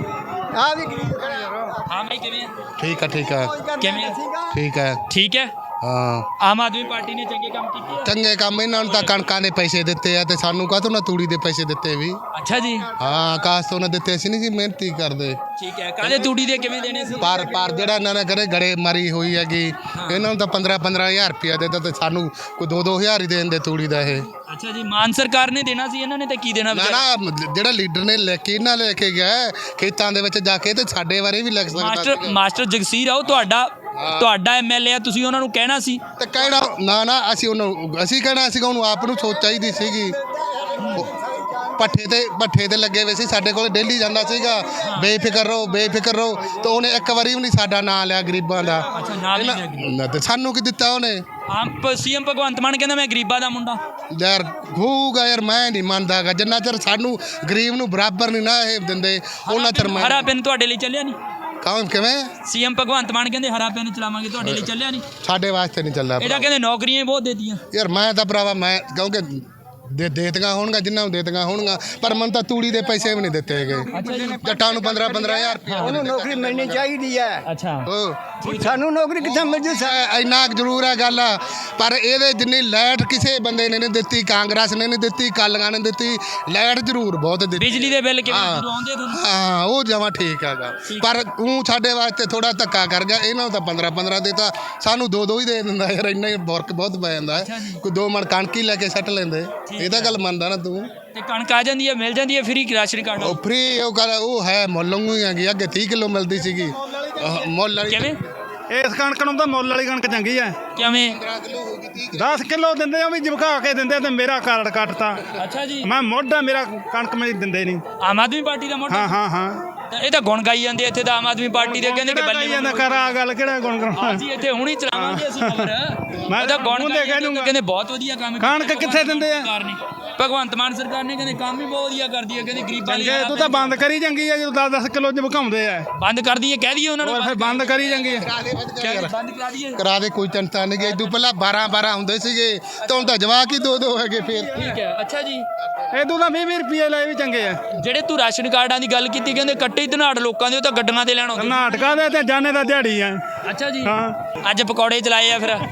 Speaker 2: ਆ ਵੀ ਗਰੀਬ ਖੜੇ ਆ
Speaker 3: ਹਾਂ ਮੈਂ ਕਿਵੇਂ
Speaker 5: ਠੀਕ ਹੈ
Speaker 3: ਕਿਵੇਂ
Speaker 5: ਠੀਕ ਹੈ
Speaker 3: ਠੀਕ ਹੈ
Speaker 4: ਹਾਂ
Speaker 3: ਆਮ ਆਦਮੀ ਪਾਰਟੀ ਨੇ ਚੰਗੇ ਕੰਮ ਕੀਤੇ ਆ?
Speaker 4: ਚੰਗੇ ਕੰਮ ਇਹਨਾਂ ਨੂੰ ਤਾਂ ਕਣਕਾਂ ਦੇ ਪੈਸੇ ਦਿੱਤੇ ਆ ਤੇ ਸਾਨੂੰ ਕਾਹਤੋਂ ਨਾ ਤੂੜੀ ਦੇ ਪੈਸੇ ਦਿੱਤੇ ਵੀ।
Speaker 3: ਅੱਛਾ ਜੀ,
Speaker 4: ਹਾਂ ਆਕਾਸ਼ ਤੋਂ ਨਾ ਦਿੱਤੇ ਸੀ ਨਹੀਂ ਜੀ, ਮਿਹਨਤੀ ਕਰਦੇ।
Speaker 3: ਠੀਕ ਹੈ। ਕਾਹਦੇ ਤੂੜੀ ਦੇ ਕਿਵੇਂ ਦੇਣੇ ਸੀ?
Speaker 4: ਪਰ ਜਿਹੜਾ ਇਹਨਾਂ ਨੇ ਕਰੇ ਗੜੇ ਮਾਰੀ ਹੋਈ ਹੈਗੀ, ਇਹਨਾਂ ਨੂੰ ਤਾਂ 15,000 ਰੁਪਇਆ ਦਿੱਤਾ ਤੇ ਸਾਨੂੰ ਕੋਈ 2-2 ਹੀ ਦੇ ਦਿੰਦੇ ਤੂੜੀ ਦਾ ਇਹ।
Speaker 3: ਅੱਛਾ ਜੀ, ਮਾਨ ਸਰਕਾਰ ਨੇ ਦੇਣਾ ਸੀ, ਇਹਨਾਂ ਨੇ ਤਾਂ ਕੀ ਦੇਣਾ
Speaker 4: ਨਾ
Speaker 3: ਵਿਚਾਰੇ?
Speaker 4: ਨਾ ਜਿਹੜਾ ਲੀਡਰ ਨੇ ਲੈ ਕੇ ਇਹਨਾਂ ਲੈ ਕੇ ਗਿਆ ਖੇਤਾਂ ਦੇ ਵਿੱਚ ਜਾ ਕੇ ਤੇ ਸਾਡੇ ਬਾਰੇ ਵੀ ਲਿਖ ਸਕਦਾ
Speaker 3: ਮਾਸਟਰ ਜਗਸੀਰ ਆਓ, ਤੁਹਾਡਾ ਐਮਐਲਏ ਆ, ਤੁਸੀਂ ਉਹਨਾਂ ਨੂੰ ਕਹਿਣਾ ਸੀ।
Speaker 4: ਤੇ ਕਹਿਣਾ ਨਾ ਅਸੀਂ ਕਹਿਣਾ ਸੀਗਾ ਉਹਨੂੰ ਆਪ ਨੂੰ ਸੋਚ ਚਾਹੀਦੀ ਸੀਗੀ। ਪੱਠੇ ਤੇ ਲੱਗੇ ਹੋਏ ਸੀ, ਸਾਡੇ ਕੋਲ ਡੇਲੀ ਜਾਂਦਾ ਸੀਗਾ, ਬੇਫਿਕਰ ਰਹੋ ਤਾਂ ਉਹਨੇ ਇੱਕ ਵਾਰੀ ਵੀ ਨਹੀਂ ਸਾਡਾ ਨਾਂ ਲਿਆ ਗਰੀਬਾਂ ਦਾ। ਨਾ ਤੇ ਸਾਨੂੰ ਕੀ ਦਿੱਤਾ ਉਹਨੇ?
Speaker 3: ਸੀਐਮ ਭਗਵੰਤ ਮਾਨ ਕਹਿੰਦਾ ਮੈਂ ਗਰੀਬਾਂ ਦਾ ਮੁੰਡਾ।
Speaker 4: ਯਾਰ ਹੋਊਗਾ ਯਾਰ, ਮੈਂ ਨਹੀਂ ਮੰਨਦਾਗਾ ਜਿੰਨਾ ਚਿਰ ਸਾਨੂੰ ਗਰੀਬ ਨੂੰ ਬਰਾਬਰ ਨਹੀਂ ਨਾ ਇਹ ਦਿੰਦੇ ਉਹਨਾਂ ਚਿਰ ਮੈਂ।
Speaker 3: ਹਰਾ ਪੈਨ ਤੁਹਾਡੇ ਲਈ ਚੱਲਿਆ ਨਹੀਂ?
Speaker 4: ਕਿਵੇਂ?
Speaker 3: ਸੀਐਮ ਭਗਵੰਤ ਮਾਨ ਕਹਿੰਦੇ ਹਰਾ ਪੈਨ ਚਲਾਵਾਂਗੇ, ਤੁਹਾਡੇ ਲਈ ਚੱਲਿਆ ਨਹੀਂ?
Speaker 4: ਸਾਡੇ ਵਾਸਤੇ ਨਹੀਂ ਚੱਲਿਆ।
Speaker 3: ਇਹਦਾ ਕਹਿੰਦੇ ਨੌਕਰੀਆਂ ਹੀ ਬਹੁਤ ਦੇਤੀਆਂ।
Speaker 4: ਯਾਰ ਮੈਂ ਤਾਂ ਭਰਾਵਾ ਮੈਂ ਕਿਉਂਕਿ ਦੇਤੀਆਂ ਹੋਣਗਾ ਜਿੰਨਾਂ ਨੂੰ ਦੇਤੀਆਂ ਹੋਣਗਾ, ਪਰ ਮੈਨੂੰ ਤਾਂ ਤੂੜੀ ਦੇ ਪੈਸੇ ਵੀ ਨਹੀਂ ਦਿੱਤੇ ਹੈਗੇ। ਜੱਟਾਂ ਨੂੰ 15,000 ਰੁਪਇਆ
Speaker 2: ਉਹਨੂੰ ਨੌਕਰੀ ਮਿਲਣੀ ਚਾਹੀਦੀ ਹੈ।
Speaker 3: ਅੱਛਾ,
Speaker 2: ਸਾਨੂੰ ਨੌਕਰੀ ਕਿੱਥੇ ਮਿਲ ਜੂ?
Speaker 4: ਇੰਨਾ ਜ਼ਰੂਰ ਹੈ ਗੱਲ, ਪਰ ਇਹਦੇ ਜਿੰਨੀ ਲਾਈਟ ਕਿਸੇ ਬੰਦੇ ਨੇ ਨਹੀਂ ਦਿੱਤੀ, ਕਾਂਗਰਸ ਨੇ ਨਹੀਂ ਦਿੱਤੀ, ਕਾਲੀਆਂ ਨੇ ਦਿੱਤੀ। ਲਾਈਟ ਜ਼ਰੂਰ ਬਹੁਤ ਦਿੱਤੀ।
Speaker 3: ਬਿਜਲੀ ਦੇ ਬਿੱਲ ਕਿਵੇਂ ਆਉਂਦੇ ਤੁਹਾਨੂੰ?
Speaker 4: ਹਾਂ ਉਹ ਜਮਾਂ ਠੀਕ ਹੈਗਾ, ਪਰ ਉਹ ਸਾਡੇ ਵਾਸਤੇ ਥੋੜਾ ਧੱਕਾ ਕਰ ਗਿਆ। ਇਹਨਾਂ ਨੂੰ ਤਾਂ 15 ਦਿੱਤਾ, ਸਾਨੂੰ 2 ਹੀ ਦੇ ਦਿੰਦਾ ਯਾਰ। ਇੰਨਾ ਹੀ ਵਰਕ ਬਹੁਤ ਪੈ ਜਾਂਦਾ ਹੈ। ਕੋਈ 2 ਮਣ ਕਣਕ ਹੀ ਲੈ ਕੇ ਸੱਟ ਲੈਂਦੇ। ਇਹ ਤਾਂ ਗੱਲ ਮੰਨਦਾ ਨਾ ਤੂੰ?
Speaker 3: ਤੇ ਕਣਕ ਆ ਜਾਂਦੀ ਹੈ, ਮਿਲ ਜਾਂਦੀ ਹੈ ਫ੍ਰੀ ਰਾਸ਼ਨ ਕਾਰਡ?
Speaker 4: ਉਹ ਫ੍ਰੀ ਉਹ ਗੱਲ ਉਹ ਹੈ ਮੁੱਲ ਵਾਂਗੂ ਹੀ ਹੈਗੀ। ਅੱਗੇ 30 ਕਿਲੋ ਮਿਲਦੀ ਸੀਗੀ ਮੁੱਲ ਵਾਲੀ।
Speaker 3: ਕਿਵੇਂ?
Speaker 9: ਇਸ ਕਣਕ ਨੂੰ ਤਾਂ ਮੁੱਲ ਵਾਲੀ ਕਣਕ ਚੰਗੀ ਹੈ।
Speaker 3: ਕਿਵੇਂ?
Speaker 9: 10 ਕਿਲੋ ਦਿੰਦੇ ਆ, ਵੀ ਜਮਕਾ ਕੇ ਦਿੰਦੇ ਤੇ ਮੇਰਾ ਕਾਰਡ ਕੱਟਤਾ।
Speaker 3: ਅੱਛਾ ਜੀ,
Speaker 9: ਮੈਂ ਮੋਢਾ ਮੇਰਾ ਕਣਕ ਮੈਨੂੰ ਦਿੰਦੇ ਨਹੀਂ।
Speaker 3: ਆਮ ਆਦਮੀ ਪਾਰਟੀ ਦਾ ਮੋਢਾ?
Speaker 9: ਹਾਂ
Speaker 3: ਇਹ ਤਾਂ ਗੁਣ ਗਾਈ ਜਾਂਦੇ ਇੱਥੇ ਤਾਂ ਆਮ ਆਦਮੀ ਪਾਰਟੀ ਦੇ, ਕਹਿੰਦੇ ਕਿ ਬੱਲੇ
Speaker 9: ਜਾਂਦਾ ਕਰ ਆ ਗੱਲ ਕਿਹੜਾ ਗੁਣ ਕਰਾਉਣਾ।
Speaker 3: ਅਸੀਂ ਇੱਥੇ ਹੁਣੀ ਚਲਾਵਾਂਗੇ ਅਸੀਂ ਖਬਰ।
Speaker 9: ਮੈਂ
Speaker 3: ਤਾਂ ਗੁਣ
Speaker 9: ਮੂੰਹ ਤੇ ਕਹਿ ਦੂੰਗਾ।
Speaker 3: ਕਹਿੰਦੇ ਬਹੁਤ ਵਧੀਆ ਕੰਮ
Speaker 9: ਕਣਕ ਕਿੱਥੇ ਦਿੰਦੇ ਆ?
Speaker 3: ਭਗਵੰਤ ਮਾਨ ਸਰਕਾਰ ਨੇ ਕਹਿੰਦੇ ਕੰਮ ਹੀ ਬਹੁਤ ਵਧੀਆ ਕਰਦੀ ਹੈ, ਕਹਿੰਦੇ ਗਰੀਬਾਂ ਲਈ।
Speaker 9: ਤੂੰ ਤਾਂ ਬੰਦ ਕਰੀ ਚੰਗੀ ਆ, ਜਦੋਂ 10-10 ਕਿਲੋ ਜਮਕਾਉਂਦੇ ਆ।
Speaker 3: ਬੰਦ ਕਰ ਦਈਏ, ਕਹਿ ਦਈਏ ਉਹਨਾਂ ਨੂੰ?
Speaker 9: ਫਿਰ ਬੰਦ ਕਰੀ ਚੰਗੀ ਆ।
Speaker 3: ਬੰਦ ਕਰਾ ਦਈਏ?
Speaker 4: ਕਰਾ ਦੇ, ਕੋਈ ਚਿੰਤਾ ਨਹੀਂ। ਇਦੋਂ ਪਹਿਲਾਂ 12 ਹੁੰਦੇ ਸੀਗੇ, ਤਾਂ ਹੁਣ ਤਾਂ ਜਵਾਕ ਹੀ 2 ਹੈਗੇ ਫੇਰ।
Speaker 3: ਠੀਕ ਹੈ। ਅੱਛਾ ਜੀ,
Speaker 9: ਇਦੋਂ ਤਾਂ 20 ਰੁਪਏ ਲਏ ਵੀ ਚੰਗੇ ਆ।
Speaker 3: ਜਿਹੜੇ ਤੂੰ ਰਾਸ਼ਨ ਕਾਰਡਾਂ ਦੀ ਗੱਲ ਕੀਤੀ, ਕਹਿੰਦੇ ਕੱਟੇ ਹੀ ਧਨਾੜ ਲੋਕਾਂ ਦੇ, ਉਹ ਤਾਂ ਗੱਡੀਆਂ ਤੇ ਲੈਣ ਆਉਂਦੇ।
Speaker 9: ਨਾਟਕਾਂ ਦੇ ਤੇ ਜਾਣੇ ਦਾ ਦਿਹਾੜੀ ਆ।
Speaker 3: ਅੱਛਾ ਜੀ,
Speaker 9: ਹਾਂ
Speaker 3: ਅੱਜ ਪਕੌੜੇ ਚਲਾਏ ਆ ਫਿਰ?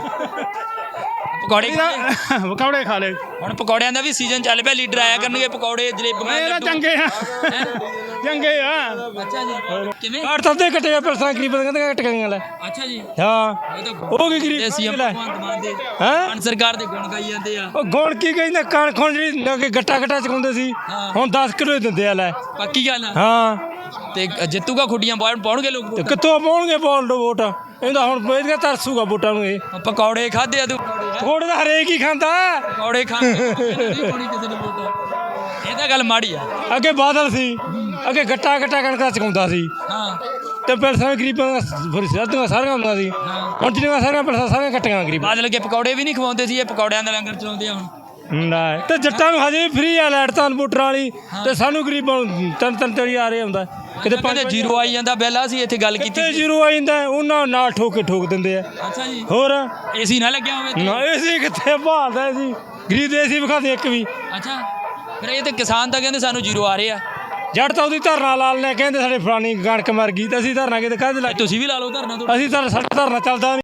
Speaker 9: ਪਕੌੜੇ ਖਾ ਲੈ।
Speaker 3: ਹੁਣ ਪਕੌੜਿਆਂ ਦਾ ਵੀ ਸੀਜ਼ਨ ਚੱਲ ਪਿਆ, ਲੀਡਰ ਆਇਆ ਕਰਨਗੇ, ਪਕੌੜੇ ਜਲੇਬੀਆਂ
Speaker 9: ਇਹ ਤਾਂ ਚੰਗੇ ਆ, ਚੰਗੇ ਆ।
Speaker 3: ਅੱਛਾ ਜੀ, ਕਿਵੇਂ?
Speaker 6: ਕਾਰਡ ਤਾਂ ਤੇ ਕੱਟੇ ਪੈਸਾ ਗਰੀਬ ਕਹਿੰਦੇ ਕੱਟ ਗਈਆਂ ਲੈ।
Speaker 3: ਅੱਛਾ ਜੀ,
Speaker 6: ਹਾਂ ਉਹ ਕੀ ਗਰੀਬ
Speaker 3: ਸੀਐਮ ਭਗਵੰਤ ਮਾਨ ਦੇ,
Speaker 6: ਹੈਂ?
Speaker 3: ਮਾਨ ਸਰਕਾਰ ਦੇ ਗੁਣ ਗਾਈ ਜਾਂਦੇ ਆ।
Speaker 6: ਉਹ ਗੁਣ ਕੀ ਕਹਿੰਦਾ, ਕਣਕ ਹੁਣ ਜਿਹੜੀ ਲੱਗੇ ਗੱਟਾ ਚਕਾਉਂਦੇ ਸੀ, ਹੁਣ 10 ਕਿਲੋ ਦਿੰਦੇ ਆ ਲੈ।
Speaker 3: ਪੱਕੀ ਗੱਲ ਆ।
Speaker 6: ਹਾਂ
Speaker 3: ਤੇ ਜਿੱਤੂਗਾ ਖੁੱਡੀਆਂ ਪਾਉਣਗੇ ਲੋਕ?
Speaker 6: ਤੇ ਕਿੱਥੋਂ ਪਾਉਣਗੇ ਵੋਟ? ਇਹਦਾ ਹੁਣ ਇਹਦਾ ਤਰਸੂਗਾ ਵੋਟਾਂ ਨੂੰ। ਇਹ
Speaker 3: ਪਕੌੜੇ ਖਾਦੇ ਆ ਤੂੰ?
Speaker 6: ਪਕੌੜੇ ਤਾਂ ਹਰੇਕ ਹੀ ਖਾਂਦਾ।
Speaker 3: ਪਕੌੜੇ ਖਾਂਦੇ ਨਹੀਂ ਪਾਉਣੀ ਕਿਸੇ ਨੂੰ ਵੋਟ। ਇਹ ਤਾਂ ਗੱਲ ਮਾੜੀ ਆ।
Speaker 6: ਅੱਗੇ ਬਾਦਲ ਸੀ, ਅੱਗੇ ਗੱਟਾ ਕਣਕਾਂ ਚਕਾਉਂਦਾ ਸੀ।
Speaker 3: ਹਾਂ,
Speaker 6: ਤੇ ਪੈਸਾ ਗਰੀਬਾਂ ਦਾ ਸਾਰੀਆਂ ਹੁੰਦੀਆਂ ਸੀ। ਹੁਣ ਜਿਹੜੀਆਂ ਸਾਰੀਆਂ ਪੈਸਾ ਸਾਰੀਆਂ ਕੱਟੀਆਂ ਗਰੀਬ।
Speaker 3: ਬਾਦਲ ਕੇ ਪਕੌੜੇ ਵੀ ਨਹੀਂ ਖਵਾਉਂਦੇ ਸੀ, ਇਹ ਪਕੌੜਿਆਂ ਦਾ ਲੰਗਰ ਚਲਾਉਂਦੇ ਆ ਹੁਣ।
Speaker 6: ਨਾ ਤੇ ਜੱਟਾਂ ਨੂੰ ਹਜੇ ਵੀ ਫ੍ਰੀ ਆ ਲਾਈਟ ਤਾਂ ਵੋਟਰਾਂ ਵਾਲੀ, ਤੇ ਸਾਨੂੰ ਗਰੀਬਾਂ ਨੂੰ ਤਿੰਨ ਆ ਰਿਹਾ ਹੁੰਦਾ।
Speaker 3: ਕਿਤੇ ਕਹਿੰਦੇ ਜ਼ੀਰੋ ਆਈ ਜਾਂਦਾ ਬਿੱਲ। ਅਸੀਂ ਇੱਥੇ ਗੱਲ ਕੀਤੀ
Speaker 6: ਤੇ ਜ਼ੀਰੋ ਆ ਜਾਂਦਾ, ਉਹਨਾਂ ਨਾਲ ਠੋਕ ਦਿੰਦੇ ਆ।
Speaker 3: ਅੱਛਾ ਜੀ,
Speaker 6: ਹੋਰ
Speaker 3: ਏਸੀ ਨਾ ਲੱਗਿਆ ਹੋਵੇ?
Speaker 6: ਨਾ ਏਸੀ ਕਿੱਥੇ ਭਾਲਦਾ ਸੀ, ਗਰੀਬ ਦੇ ਏਸੀ ਵਿਖਾ ਦੇ ਇੱਕ ਵੀ।
Speaker 3: ਅੱਛਾ, ਫਿਰ ਇਹ ਤੇ ਕਿਸਾਨ ਤਾਂ ਕਹਿੰਦੇ ਸਾਨੂੰ ਜ਼ੀਰੋ ਆ ਰਹੇ ਆ।
Speaker 6: ਜੱਟ ਤਾਂ ਉਹਦੀ ਧਰਨਾ ਲਾ ਲੈਣੇ, ਕਹਿੰਦੇ ਸਾਡੇ ਫਲਾਣੀ ਕਣਕ ਮਰ ਗਈ, ਤੇ ਅਸੀਂ ਧਰਨਾ ਕਿਤੇ ਕਾਹਦੇ ਲਾ?
Speaker 3: ਤੁਸੀਂ ਵੀ ਲਾ ਲਓ ਧਰਨਾ।
Speaker 6: ਅਸੀਂ ਤਾਂ ਸਾਡਾ ਧਰਨਾ ਚੱਲਦਾ ਨਹੀਂ।